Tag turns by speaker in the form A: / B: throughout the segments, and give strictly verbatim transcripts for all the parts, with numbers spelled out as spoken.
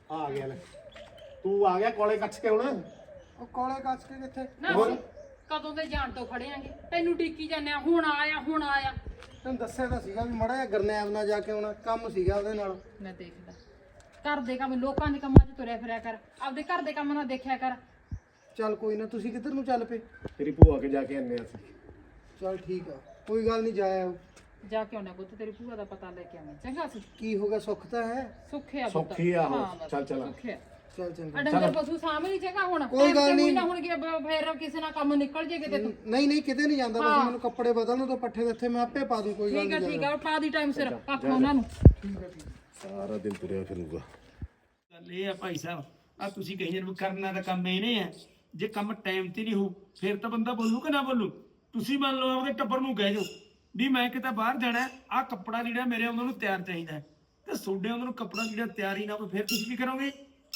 A: ਆ ਗਿਆ ਲੈ ਤੂੰ ਆ ਗਿਆ ਕੋਲੇ ਕੱਛ ਕੇ ਹੁਣ
B: ਉਹ ਕੋਲੇ ਕੱਛ ਕੇ ਕਿੱਥੇ
C: ਨਾ
A: ਹੋਰ?
C: ਅਸੀਂ ਕਦੋਂ ਦੇ ਜਾਣ ਤੋਂ ਖੜੇ ਆਂਗੇ ਤੈਨੂੰ ਡੀਕੀ ਜਾਂਦੇ ਆ ਹੁਣ ਆਇਆ ਹੁਣ ਆਇਆ
B: ਤੈਨੂੰ ਦੱਸਿਆ ਤਾਂ ਸੀਗਾ ਵੀ ਮੜਾ ਜਿਹਾ ਗਰਨੈਬ ਨਾਲ ਜਾ ਕੇ ਆਉਣਾ ਕੰਮ ਸੀਗਾ ਉਹਦੇ ਨਾਲ।
C: ਮੈਂ ਦੇਖਦਾ ਘਰ ਦੇ ਕੰਮ ਲੋਕਾਂ ਦੇ ਕੰਮਾਂ 'ਚ ਤੁਰਿਆ ਫਿਰਿਆ ਕਰ ਆਪਦੇ ਘਰ ਦੇ ਕੰਮ ਨਾਲ ਦੇਖਿਆ ਕਰ
B: ਚੱਲ ਕੋਈ ਨਾ, ਤੁਸੀਂ ਕਿੱਧਰ ਨੂੰ ਚੱਲ ਪਏ?
A: ਤੇਰੀ ਭੂਆ ਕੇ ਜਾ ਕੇ ਆਨੇ ਆ ਅਸੀਂ
B: ਚੱਲ ਠੀਕ ਆ, ਕੋਈ ਗੱਲ ਨਹੀਂ, ਜਾਇਆ।
C: ਜਾ ਕੇ ਆਉਣਾ ਪੁੱਤ ਤੇਰੀ ਭੂਆ ਦਾ ਪਤਾ ਲੈ ਕੇ ਆਵਾਂ ਚੰਗਾ ਸੀ
B: ਕੀ ਹੋ ਗਿਆ, ਸੁੱਖ ਤਾਂ ਹੈ?
C: ਸੁੱਖਿਆ ਪੁੱਤ
A: ਸੌਖੀ ਆ ਉਹ।
C: ਹਾਂ, ਬਸ,
A: ਚੱਲ ਚੱਲ।
C: ਸੁੱਖਿਆ
B: ਚੱਲ ਚੰਗਾ।
C: ਆ ਡੰਗਰ ਪਸ਼ੂ ਸਾਹਮਣੇ ਚੰਗਾ ਹੁਣ
B: ਕੋਈ ਗੱਲ ਨੀ।
C: ਨਾ ਹੁਣ ਕੀ ਫੇਰ ਕਿਸੇ ਨਾਲ ਕੰਮ ਨਿਕਲ ਜੇ ਕਿਤੇ ਤੂੰ
B: ਨਹੀਂ ਨਹੀਂ ਕਿਤੇ ਨਹੀਂ ਜਾਂਦਾ, ਬਸ ਮੈਨੂੰ ਕੱਪੜੇ ਬਦਲਣ ਤੋਂ ਪੱਠੇ ਦੇ ਇੱਥੇ ਮੈਂ ਆਪੇ ਪਾ ਦੂੰ, ਕੋਈ ਗੱਲ
C: ਠੀਕ ਆ
B: ਨਹੀਂ।
C: ਠੀਕ ਆ ਪਾ ਦੀ ਟਾਈਮ ਸਿਰ ਕੱਖ ਉਹਨਾਂ ਨੂੰ
B: ਠੀਕ ਆ ਠੀਕ ਆ।
A: ਸਾਰਾ ਦਿਨ ਤੁਰਿਆ ਫਿਰੂਗਾ।
D: ਗੱਲ ਇਹ ਆ ਭਾਈ ਸਾਹਿਬ, ਆ ਤੁਸੀਂ ਕਹੀ ਜਾਂਦੇ ਕਰਨਾ ਦਾ ਕੰਮ ਇਹਨੇ ਆ, ਜੇ ਕੰਮ ਟਾਈਮ ਤੇ ਨਹੀਂ ਹੋ ਫਿਰ ਤਾਂ ਬੰਦਾ ਬੋਲੂ ਕਿ ਨਾ ਬੋਲੂ। ਤੁਸੀਂ ਮੰਨ ਲਓ ਆਪਦੇ ਟੱਬਰ ਨੂੰ ਕਹਿ ਜਾਓ ਵੀ ਮੈਂ ਕਿਤੇ ਬਾਹਰ ਜਾਣਾ, ਆ ਕੱਪੜਾ ਜਿਹੜਾ ਮੇਰੇ ਉਹਨਾਂ ਨੂੰ ਤਿਆਰ ਚਾਹੀਦਾ ਹੈ, ਤੇ ਤੁਹਾਡੇ ਉਹਨਾਂ ਨੂੰ ਕੱਪੜਾ ਜਿਹੜਾ ਤਿਆਰ ਹੀ ਨਾ ਹੋਵੇ ਫਿਰ ਤੁਸੀਂ ਕੀ ਕਰੋਗੇ?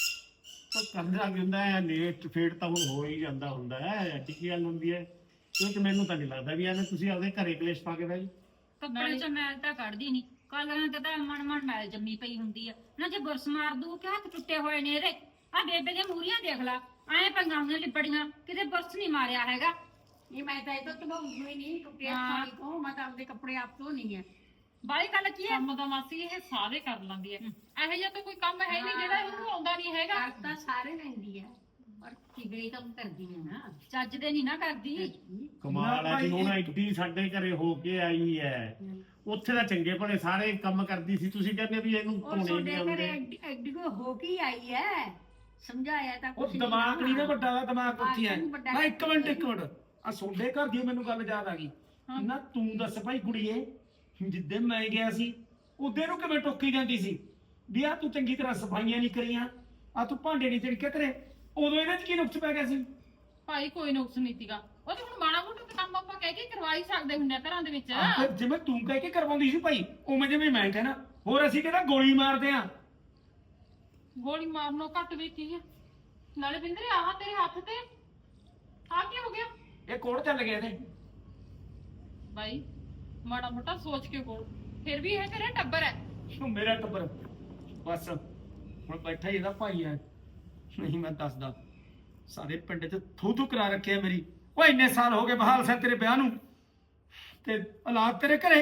A: ਤਾਂ ਕਰਦਾ ਕੀ ਹੁੰਦਾ ਹੈ, ਲੇਟ ਫੇਟ ਤਾਂ ਹੁਣ ਹੋ ਹੀ ਜਾਂਦਾ ਹੁੰਦਾ ਹੈ, ਟਿੱਕੀ ਗੱਲ ਹੁੰਦੀ ਹੈ। ਕਿਉਂਕਿ ਮੈਨੂੰ ਤਾਂ ਨਹੀਂ ਲੱਗਦਾ ਵੀ ਐਵੇਂ ਤੁਸੀਂ ਆਪਦੇ ਘਰੇ ਕਲੇਸ਼ ਪਾ ਕੇ ਬਹਿ ਜੀ।
E: ਕੱਪੜੇ ਚ ਮੈਲ ਤਾਂ ਕੱਢਦੀ ਨਹੀਂ, ਕਲਰਾਂ ਤੇ ਤਾਂ ਮਨ ਮਨ ਮੈਲ ਜੰਮੀ ਪਈ ਹੁੰਦੀ ਆ ਨਾ। ਜੇ ਬੁਰਸ ਮਾਰ ਦੂ ਕਿ ਹੱਥ ਟੁੱਟੇ ਹੋਏ ਨੇ ਇਹਦੇ, ਆ ਬੇਬੇ ਦੇ ਮੂਰੀਆਂ ਦੇਖ ਲਾ ਐ ਪੰਗਾਂ ਉਹਨੇ ਲਿਪੜੀਆਂ, ਕਿਤੇ ਬੁਰਸ ਨਹੀਂ ਮਾਰਿਆ ਹੈਗਾ।
F: ਇਹ ਮੈਂ ਤਾਂ ਇਹ ਤਾਂ ਤੁਹਾਨੂੰ ਹੀ ਨਹੀਂ ਟੁੱਟਿਆ ਸਾੜੀ ਤੋਂ, ਮੈਂ ਤਾਂ ਆਪਦੇ ਕੱਪੜੇ ਆਪ ਤੋਂ ਨਹੀਂ ਹੈ।
C: ਬਾਈ ਗੱਲ ਕੀ ਹੈ ਕੰਮ ਦਾ ਮਾਸੀ ਇਹ ਸਾਰੇ ਕਰ ਲੈਂਦੀ ਹੈ ਇਹੋ ਜਿਹਾ ਤਾਂ ਕੋਈ ਕੰਮ ਹੈ ਨਹੀਂ ਜਿਹੜਾ ਇਹਨੂੰ ਆਉਂਦਾ ਨਹੀਂ ਹੈਗਾ।
F: ਕਰ ਤਾਂ ਸਾਰੇ ਲੈਂਦੀ ਹੈ ਪਰ ਚਿਗੜੀ ਤਾਂ ਕਰਦੀ ਹੈ ਨਾ।
E: ਚੱਜ ਦੇ ਨਹੀਂ ਨਾ ਕਰਦੀ।
A: ਕਮਾਲ ਹੈ ਜੀ, ਹੁਣ ਐਡੀ ਸਾਡੇ ਘਰੇ ਹੋ ਕੇ ਆਈ ਹੈ, ਉੱਥੇ ਤਾਂ ਚੰਗੇ ਭਲੇ ਸਾਰੇ ਕੰਮ ਕਰਦੀ ਸੀ, ਤੁਸੀਂ ਕਹਿੰਦੇ ਵੀ ਇਹਨੂੰ
F: ਉਹ
A: ਧੋਣੇ
F: ਤੁਹਾਡੇ
A: ਨਹੀਂ
F: ਘਰੇ
A: ਆਉਂਦੇ।
F: ਐਡੀ ਐਡੀ ਕੋ ਹੋ ਕੇ ਹੀ ਆਈ ਹੈ, ਸਮਝਾਇਆ ਤਾਂ
D: ਉਹ
F: ਕੁਛ
D: ਦਿਮਾਗ ਨਹੀਂ ਨਾ ਵੱਡਾ ਦਾ ਦਿਮਾਗ ਉੱਥੇ ਹੈ।
F: ਹਾਂ, ਵੱਡਾ
D: ਮੈਂ ਇੱਕ ਮਿੰਟ ਇੱਕ ਮਿੰਟ ਆ ਤੁਹਾਡੇ ਘਰ ਦੀ ਮੈਨੂੰ ਗੱਲ ਯਾਦ ਆ ਗਈ ਨਾ। ਤੂੰ ਦੱਸ ਭਾਈ ਕੁੜੀਏ, ਜਿੱਦੇ ਮੈਂ ਗਿਆ ਸੀ ਉਹਦੇ ਨੂੰ ਕਿਵੇਂ ਟੋਕੀ ਜਾਂਦੀ ਸੀ ਵੀ ਆ ਤੂੰ ਚੰਗੀ ਤਰ੍ਹਾਂ ਸਫਾਈਆਂ ਨਹੀਂ ਕਰੀਆਂ, ਆ ਤੂੰ ਭਾਂਡੇ ਨਹੀਂ ਤਿੜਕੇ ਕਰੇ, ਉਦੋਂ ਇਹਨਾਂ 'ਚ ਕੀ ਨੁਕਸ ਪੈ ਗਿਆ ਸੀ?
C: ਭਾਈ ਕੋਈ ਨੁਕਸ ਨਹੀਂ ਸੀਗਾ ਉਹ ਤੇ ਹੁਣ ਮਾੜਾ ਮੋਟਾ ਤਾਂ ਕੰਮ ਆਪਾਂ ਕਹਿ ਕੇ ਕਰਵਾ ਹੀ ਸਕਦੇ ਹੁੰਦੇ ਆ ਘਰਾਂ ਦੇ ਵਿੱਚ।
D: ਆਹ ਫਿਰ ਜਿਵੇਂ ਤੂੰ ਕਹਿ ਕੇ ਕਰਵਾਉਂਦੀ ਸੀ ਭਾਈ, ਉਵੇਂ ਜਿਵੇਂ ਮੈਂ ਕਹਿਣਾ। ਹੋਰ ਅਸੀਂ ਕਹਿੰਦਾ ਗੋਲੀ ਮਾਰਦੇ ਆ।
C: ਗੋਲੀ ਮਾਰਨੋਂ ਘੱਟ ਵੀ ਕੀ ਹੈ ਨਾਲੇ ਬਿੰਦਰੇ ਆਹ ਤੇਰੇ ਹੱਥ ਤੇ ਆ ਕੀ ਹੋ ਗਿਆ
D: ਇਹ ਕੋੜ ਚੱਲ ਗਿਆ ਇਹਦੇ।
C: ਭਾਈ ਮਾੜਾ ਮੋਟਾ ਸੋਚ ਕੇ ਕੋਲ ਫਿਰ ਵੀ ਇਹ ਤੇਰਾ ਟੱਬਰ ਹੈ।
D: ਉਹ ਮੇਰਾ ਟੱਬਰ ਬਸ ਹੁਣ ਬੈਠਾ ਹੀ ਇਹਦਾ ਭਾਈ ਹੈ, ਨਹੀਂ ਮੈਂ ਦੱਸਦਾ ਸਾਰੇ ਪਿੰਡ 'ਚ ਥੂ ਥੂ ਕਰਾ ਰੱਖਿਆ ਮੇਰੀ। ਉਹ ਇੰਨੇ ਸਾਲ ਹੋ ਗਏ ਬਹਾਲ ਸਿੰਘ ਤੇਰੇ ਵਿਆਹ ਨੂੰ, ਤੇ ਔਲਾਦ ਤੇਰੇ ਘਰੇ,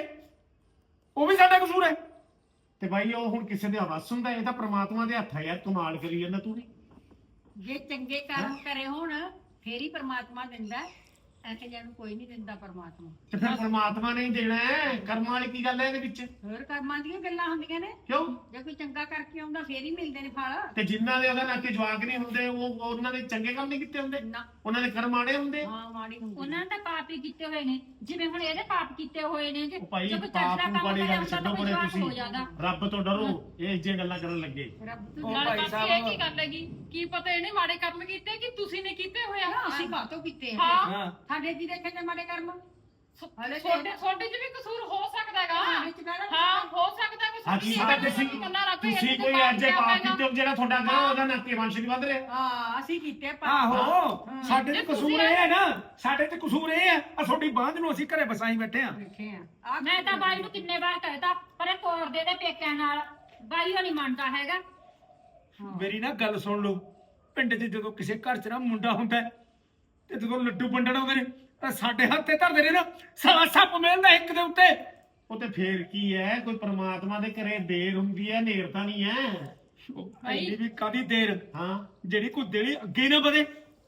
D: ਉਹ ਵੀ ਸਾਡਾ ਕਸੂਰ ਹੈ।
A: ਤੇ ਬਾਈ ਉਹ ਹੁਣ ਕਿਸੇ ਦੇ ਹਵਸ ਹੁੰਦਾ, ਇਹ ਤਾਂ ਪ੍ਰਮਾਤਮਾ ਦੇ ਹੱਥ ਹੈ ਯਾਰ, ਕਮਾਲ ਕਰੀ ਜਾਂਦਾ ਤੂੰ ਵੀ।
F: ਜੇ ਚੰਗੇ ਕਰਮ ਕਰੇ ਹੁਣ ਫੇਰ ਹੀ ਪ੍ਰਮਾਤਮਾ ਦਿੰਦਾ, ਐਸੇ ਜਿਹਾ ਨੂੰ ਕੋਈ ਨਹੀਂ ਦਿੰਦਾ ਪ੍ਰਮਾਤਮਾ।
A: ਤੇ ਫਿਰ ਪ੍ਰਮਾਤਮਾ ਨੇ ਹੀ ਦੇਣਾ ਹੈ, ਕਰਮਾਂ ਵਾਲੀ ਕੀ ਗੱਲ ਹੈ ਇਹਦੇ ਵਿੱਚ?
F: ਹੋਰ ਕਰਮਾਂ ਦੀਆਂ ਗੱਲਾਂ ਹੁੰਦੀਆਂ ਨੇ,
A: ਕਿਉਂ?
F: ਜੇ ਕੋਈ ਚੰਗਾ ਕਰਕੇ ਆਉਂਦਾ ਫੇਰ ਹੀ ਮਿਲਦੇ ਨੇ ਫਲ।
A: ਤੇ ਜਿਨ੍ਹਾਂ ਦੇ ਉਹਦਾ ਨਾਕੇ ਜਵਾਕ ਨਹੀਂ ਹੁੰਦੇ, ਉਹ ਉਹਨਾਂ ਦੇ ਚੰਗੇ ਕੰਮ ਨਹੀਂ ਕੀਤੇ ਹੁੰਦੇ,
F: ਨਾ
A: ਉਹਨਾਂ ਦੇ ਕਰਮ ਮਾੜੇ ਹੁੰਦੇ।
F: ਹਾਂ ਮਾੜੀ ਹੁੰਦੀ
E: ਉਹਨਾਂ ਨੇ ਤਾਂ ਪਾਪ ਹੀ ਕੀਤੇ ਹੋਏ ਨੇ, ਜਿਵੇਂ ਹੁਣ ਇਹਦੇ ਪਾਪ ਕੀਤੇ ਹੋਏ ਨੇ। ਜੇ
A: ਉਹ ਭਾਈ
E: ਜੇ ਕੋਈ ਚੱਜ
A: ਪਾਪ
E: ਦਾ
A: ਨੂੰ
E: ਕੰਮ
A: ਬੜੀ
E: ਕਰਿਆ
A: ਗੱਲ
E: ਹੁੰਦਾ
A: ਛੱਡੋ
E: ਤਾਂ ਕੋਈ
A: ਪਰੇ,
E: ਜਵਾਕ
A: ਤੁਸੀਂ
E: ਹੋ ਜਾਂਦਾ।
A: ਰੱਬ ਤੋਂ ਡਰੋ, ਇਹ ਜਿਹੀਆਂ ਗੱਲਾਂ ਕਰਨ ਲੱਗੇ।
F: ਰੱਬ
D: ਉਹ
F: ਤੋਂ
C: ਨਾਲੇ
D: ਭਾਈ
C: ਮਾਸੀ
D: ਸਾਹਿਬ-
C: ਇਹ ਕੀ ਗੱਲ ਹੈਗੀ ਕੀ ਪਤਾ ਇਹਨੇ ਮਾੜੇ ਕਰਮ ਕੀਤੇ ਕਿ ਤੁਸੀਂ ਨੇ ਕੀਤੇ ਹੋਇਆ।
F: ਅਸੀਂ ਕਾਹਤੋਂ ਕੀਤੇ
C: ਹਾਂ
D: ਹਾਂ
F: ਸਾਡੇ ਜੀ ਦੇਖੇ ਤੇ ਮਾੜੇ ਕਰਮ ਹਲੇ ਤੇ-
C: ਛੋਟੇ ਛੋਟੇ ਚ ਵੀ ਕਸੂਰ ਹੋ ਸਕਦਾ ਹੈਗਾ।
F: ਹਾਂ, ਵਿੱਚ ਕਾਹਦਾ
C: ਹਾਂ ਹੋ ਸਕਦਾ ਕੋਈ
A: ਹਾਂ ਤੁਸੀਂ ਤਾਂ ਤੁਸੀਂ ਤੁਸੀਂ ਕੋਈ ਅੱਜ ਪਾਪ ਕੀਤੇ ਹੋ ਜਿਹੜਾ ਤੁਹਾਡਾ ਕਰੋ ਉਹਦਾ ਨਾਕੇ ਵੰਸ਼ ਨਹੀਂ ਵੱਧ ਰਿਹਾ।
F: ਹਾਂ ਅਸੀਂ ਕੀਤੇ ਪਾਪ।
D: ਆਹੋ ਸਾਡੇ ਤੇ ਕਸੂਰ ਇਹ ਹੈ ਨਾ, ਸਾਡੇ ਤੇ ਕਸੂਰ ਇਹ ਹੈ ਆ ਤੁਹਾਡੀ ਬਾਂਝ ਨੂੰ ਅਸੀਂ ਘਰੇ ਬਸਾਈ ਬੈਠੇ ਆ।
F: ਦੇਖੇ ਆ ਆਹ
E: ਮੈਂ ਤਾਂ ਬਾਈ ਨੂੰ ਕਿੰਨੇ ਵਾਰ ਕਹਿਤਾ ਪਰ ਇਹ ਤੋਰ ਦੇ ਦੇ ਪੇਕਿਆਂ ਨਾਲ, ਬਾਈ ਉਹ ਨਹੀਂ ਮੰਨਦਾ ਹੈਗਾ।
D: ਮੇਰੀ ਨਾ ਗੱਲ ਸੁਣ ਲਓ, ਪਿੰਡ 'ਚ ਜਦੋਂ ਕਿਸੇ ਘਰ 'ਚ ਨਾ ਮੁੰਡਾ ਹੁੰਦਾ ਹੈ, ਤੇ ਜਦੋਂ ਲੱਡੂ ਵੰਡਣ ਆਉਂਦੇ ਨੇ ਤਾਂ ਸਾਡੇ ਹੱਥੇ ਧਰਦੇ ਨੇ ਨਾ, ਸਾਲਾ ਸੱਪ ਮਿਲਦਾ ਇੱਕ ਦੇ ਉੱਤੇ।
A: ਉਹ ਤੇ ਫੇਰ ਕੀ ਹੈ, ਕੋਈ ਪ੍ਰਮਾਤਮਾ ਦੇ ਘਰੇ ਦੇਰ ਹੁੰਦੀ ਹੈ, ਨੇਰ ਤਾਂ ਨਹੀਂ ਹੈ।
D: ਐਡੀ ਵੀ ਕਾਦੀ ਦੇਰ,
A: ਹਾਂ
D: ਜਿਹੜੀ ਕੋਈ ਦੇਲੀ ਅੱਗੇ ਨਾ ਵਧੇ।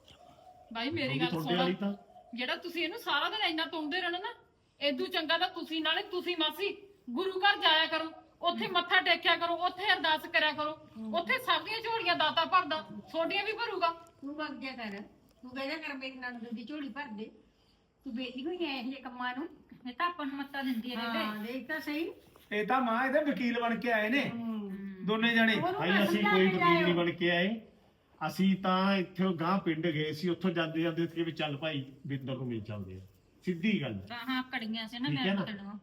C: ਭਾਈ ਮੇਰੀ ਗੱਲ
A: ਤੁਹਾਡੇ ਵਾਲੀ
C: ਸੁਣੋ,
A: ਤਾਂ
C: ਜਿਹੜਾ ਤੁਸੀਂ ਇਹਨੂੰ ਸਾਰਾ ਦਿਨ ਇੰਨਾ ਤੁੰਦੇ ਰਹਿਣਾ ਨਾ, ਏਦੂ ਚੰਗਾ ਤਾਂ ਤੁਸੀਂ ਨਾਲੇ ਤੁਸੀਂ ਮਾਸੀ ਗੁਰੂ ਘਰ ਜਾਇਆ ਕਰੋ, ਉੱਥੇ ਮੱਥਾ ਟੇਕਿਆ ਕਰੋ, ਉੱਥੇ ਅਰਦਾਸ ਕਰਿਆ ਕਰੋ, ਉੱਥੇ ਸਭ ਦੀਆਂ ਝੋਲੀਆਂ ਦਾਤਾ ਭਰਦਾ, ਛੋਡੀਆਂ ਵੀ ਭਰੂਗਾ।
F: ਤੂੰ ਵਗ ਜਾ ਕਰ, ਤੂੰ ਕਹਿਆ ਕਰ ਮੇਰੀ ਨੰਦ ਦੀ ਝੋਲੀ ਭਰ ਦੇ, ਤੂੰ ਬੇਲੀ ਹੋਈ ਐ ਇਹ ਜਿਹੇ ਕੰਮਾਂ ਨੂੰ।
E: ਇਹ ਤਾਂ ਆਪਾਂ ਨੂੰ ਮੱਤਾ ਦਿੰਦੀ ਹੈ
F: ਹਾਂ
E: ਬੇਬੇ।
F: ਦੇਖ ਤਾਂ ਸਹੀ।
D: ਇਹ ਤਾਂ ਮਾਂ ਇਹਦੇ ਵਕੀਲ ਬਣ ਕੇ ਆਏ ਨੇ ਦੋਨੇ ਜਣੇ।
F: ਉਹਨੂੰ
A: ਭਾਈ
F: ਨਾ
A: ਅਸੀਂ
F: ਸਮਝਾ
A: ਕੋਈ
F: ਕੇ
A: ਵਕੀਲ ਨਹੀਂ
F: ਜਾਇਓ।
A: ਬਣ ਕੇ ਆਏ, ਅਸੀਂ ਤਾਂ ਇੱਥੇ ਗਾਂ ਪਿੰਡ ਗਏ ਸੀ, ਉੱਥੋਂ ਜਾਂਦੇ ਜਾਂਦੇ ਸੀ ਵੀ ਚੱਲ ਭਾਈ ਬਿੰਦਰ ਨੂੰ ਮਿਲ ਚੱਲਦੇ ਆ, ਸਿੱਧੀ ਗੱਲ ਹੈ।
E: ਤਾਂ ਹਾਂ ਕੜੀਆਂ ਸੀ ਨਾ
A: ਠੀਕ ਹੈ
E: ਮੈਂ
A: ਨਾ?
E: ਪਕੜਨਾ।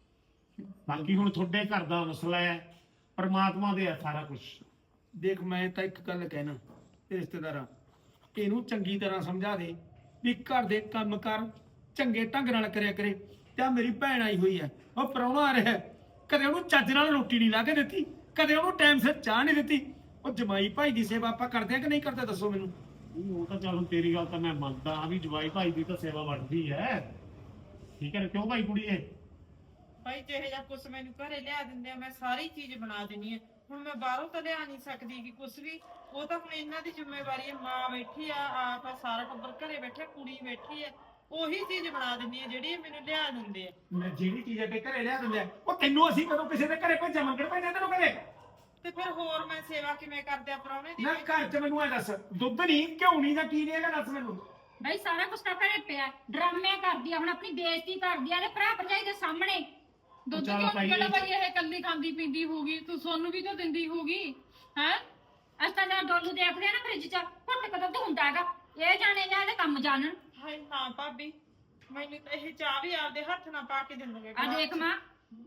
A: ਬਾਕੀ ਹੁਣ ਤੁਹਾਡੇ ਘਰ ਦਾ ਮਸਲਾ ਹੈ, ਪਰਮਾਤਮਾ ਦੇ ਹੈ ਸਾਰਾ ਕੁਝ।
D: ਦੇਖ ਮੈਂ ਤਾਂ ਇੱਕ ਗੱਲ ਕਹਿਣਾ ਤੇ ਰਿਸ਼ਤੇਦਾਰਾਂ, ਇਹਨੂੰ ਚੰਗੀ ਤਰ੍ਹਾਂ ਸਮਝਾ ਦੇ ਵੀ ਘਰ ਦੇ ਕੰਮ ਕਰ ਚੰਗੇ ਢੰਗ ਨਾਲ ਕਰਿਆ ਕਰੇ। ਤੇ ਮੇਰੀ ਭੈਣ ਆਈ ਹੋਈ ਹੈ, ਉਹ ਪ੍ਰਾਹੁਣਾ ਆ ਰਿਹਾ, ਕਦੇ ਉਹਨੂੰ ਚੱਜ ਨਾਲ ਰੋਟੀ ਨਹੀਂ ਲਾ ਕੇ ਦਿੱਤੀ, ਕਦੇ ਉਹਨੂੰ ਟਾਈਮ ਸਿਰ ਚਾਹ ਨਹੀਂ ਦਿੱਤੀ। ਉਹ ਜਮਾਈ ਭਾਈ ਦੀ ਸੇਵਾ ਆਪਾਂ ਕਰਦੇ ਆ ਕਿ ਨਹੀਂ ਕਰਦੇ ਦੱਸੋ ਮੈਨੂੰ।
A: ਉਹ ਤਾਂ ਚੱਲ ਤੇਰੀ ਗੱਲ ਤਾਂ ਮੈਂ ਮੰਨਦਾ ਆ ਵੀ ਜਵਾਈ ਭਾਈ ਦੀ ਤਾਂ ਸੇਵਾ ਬਣਦੀ ਹੈ, ਠੀਕ ਹੈ ਕਿਉਂ ਭਾਈ ਕੁੜੀਏ?
G: ਭਾਈ ਜਿਹੇ ਜਾਂ ਕੁਛ ਮੈਨੂੰ ਘਰੇ ਲਿਆ ਦਿੰਦੇ ਆ ਮੈਂ ਸਾਰੀ ਚੀਜ਼ ਬਣਾ ਦਿੰਨੀ ਆ। ਹੁਣ ਮੈਂ ਬਾਹਰੋਂ ਤਾਂ ਲਿਆ ਨਹੀਂ ਸਕਦੀ ਕਿ ਕੁਛ ਵੀ, ਉਹ ਤਾਂ ਹੁਣ ਇਹਨਾਂ ਦੀ ਜ਼ਿੰਮੇਵਾਰੀ ਹੈ। ਮਾਂ ਬੈਠੀ ਆ, ਆਪ ਆ, ਸਾਰਾ ਟੱਬਰ ਘਰੇ ਬੈਠਾ, ਕੁੜੀ ਬੈਠੀ ਹੈ, ਉਹੀ ਚੀਜ਼ ਬਣਾ ਦਿੰਨੀ ਆ ਜਿਹੜੀ ਇਹ ਮੈਨੂੰ ਲਿਆ ਦਿੰਦੇ ਆ।
D: ਮੈਂ ਜਿਹੜੀ ਚੀਜ਼ ਅੱਗੇ ਘਰੇ ਲਿਆ ਦਿੰਦੇ ਆ, ਉਹ ਤੈਨੂੰ ਅਸੀਂ ਕਦੋਂ ਕਿਸੇ ਦੇ ਘਰੇ ਭੇਜਿਆ ਮੰਗਣ ਪੈਂਦਾ ਤੈਨੂੰ ਕਦੇ?
G: ਤੇ ਫਿਰ ਹੋਰ ਮੈਂ ਸੇਵਾ ਕਿਵੇਂ ਕਰਦੇ ਆ ਪ੍ਰਾਹੁਣੇ ਦੀ?
D: ਨਾ ਘਰ 'ਚ ਮੈਨੂੰ ਐ ਦੱਸ, ਦੁੱਧ ਨਹੀਂ ਘਿਓ ਨਹੀਂ ਜਾਂ ਕੀ ਨਹੀਂ ਹੈਗਾ ਦੱਸ ਮੈਨੂੰ।
E: ਬਈ ਸਾਰਾ ਕੁਛ ਤਾਂ ਘਰੇ ਪਿਆ, ਡਰਾਮੇ ਕਰਦੀ ਆ, ਹੁਣ ਆਪਣੀ ਬੇਇੱਜ਼ਤੀ ਕਰਦੀ ਆ ਤੇ ਭਰਾ ਭਰਜਾਈ ਦੇ ਸਾਹਮਣੇ।
C: ਦੁੱਧ
A: ਚੱਲ
C: ਕਿਉਂ
A: ਭਾਈ,
C: ਕਿਹੜਾ ਭਾਈ ਇਹ ਕੱਲੀ ਖਾਂਦੀ ਪੀਂਦੀ ਹੋਊਗੀ, ਤੂੰ ਸੋਨੂੰ ਵੀ ਤਾਂ ਦਿੰਦੀ ਹੋਊਗੀ ਹੈ।
E: ਅਸਾਂ ਦਾ ਡੋਲੂ ਦੇਖਦੇ ਆ ਨਾ ਫ੍ਰਿਜ 'ਚ, ਘੁੱਟ ਕੇ ਦੁੱਧ ਹੁੰਦਾ ਹੈਗਾ। ਇਹ ਜਾਣੇ ਜਾਂ ਇਹਦੇ ਕੰਮ ਜਾਣਨ।
G: ਹਾਏ ਨਾ ਭਾਬੀ, ਮੈਨੂੰ ਤਾਂ ਇਹ ਚਾਹ ਵੀ ਆਪਦੇ ਹੱਥ ਨਾਲ ਪਾ ਕੇ ਦਿੰਦੋਗੇ।
E: ਆ ਦੇਖ ਮਾਂ,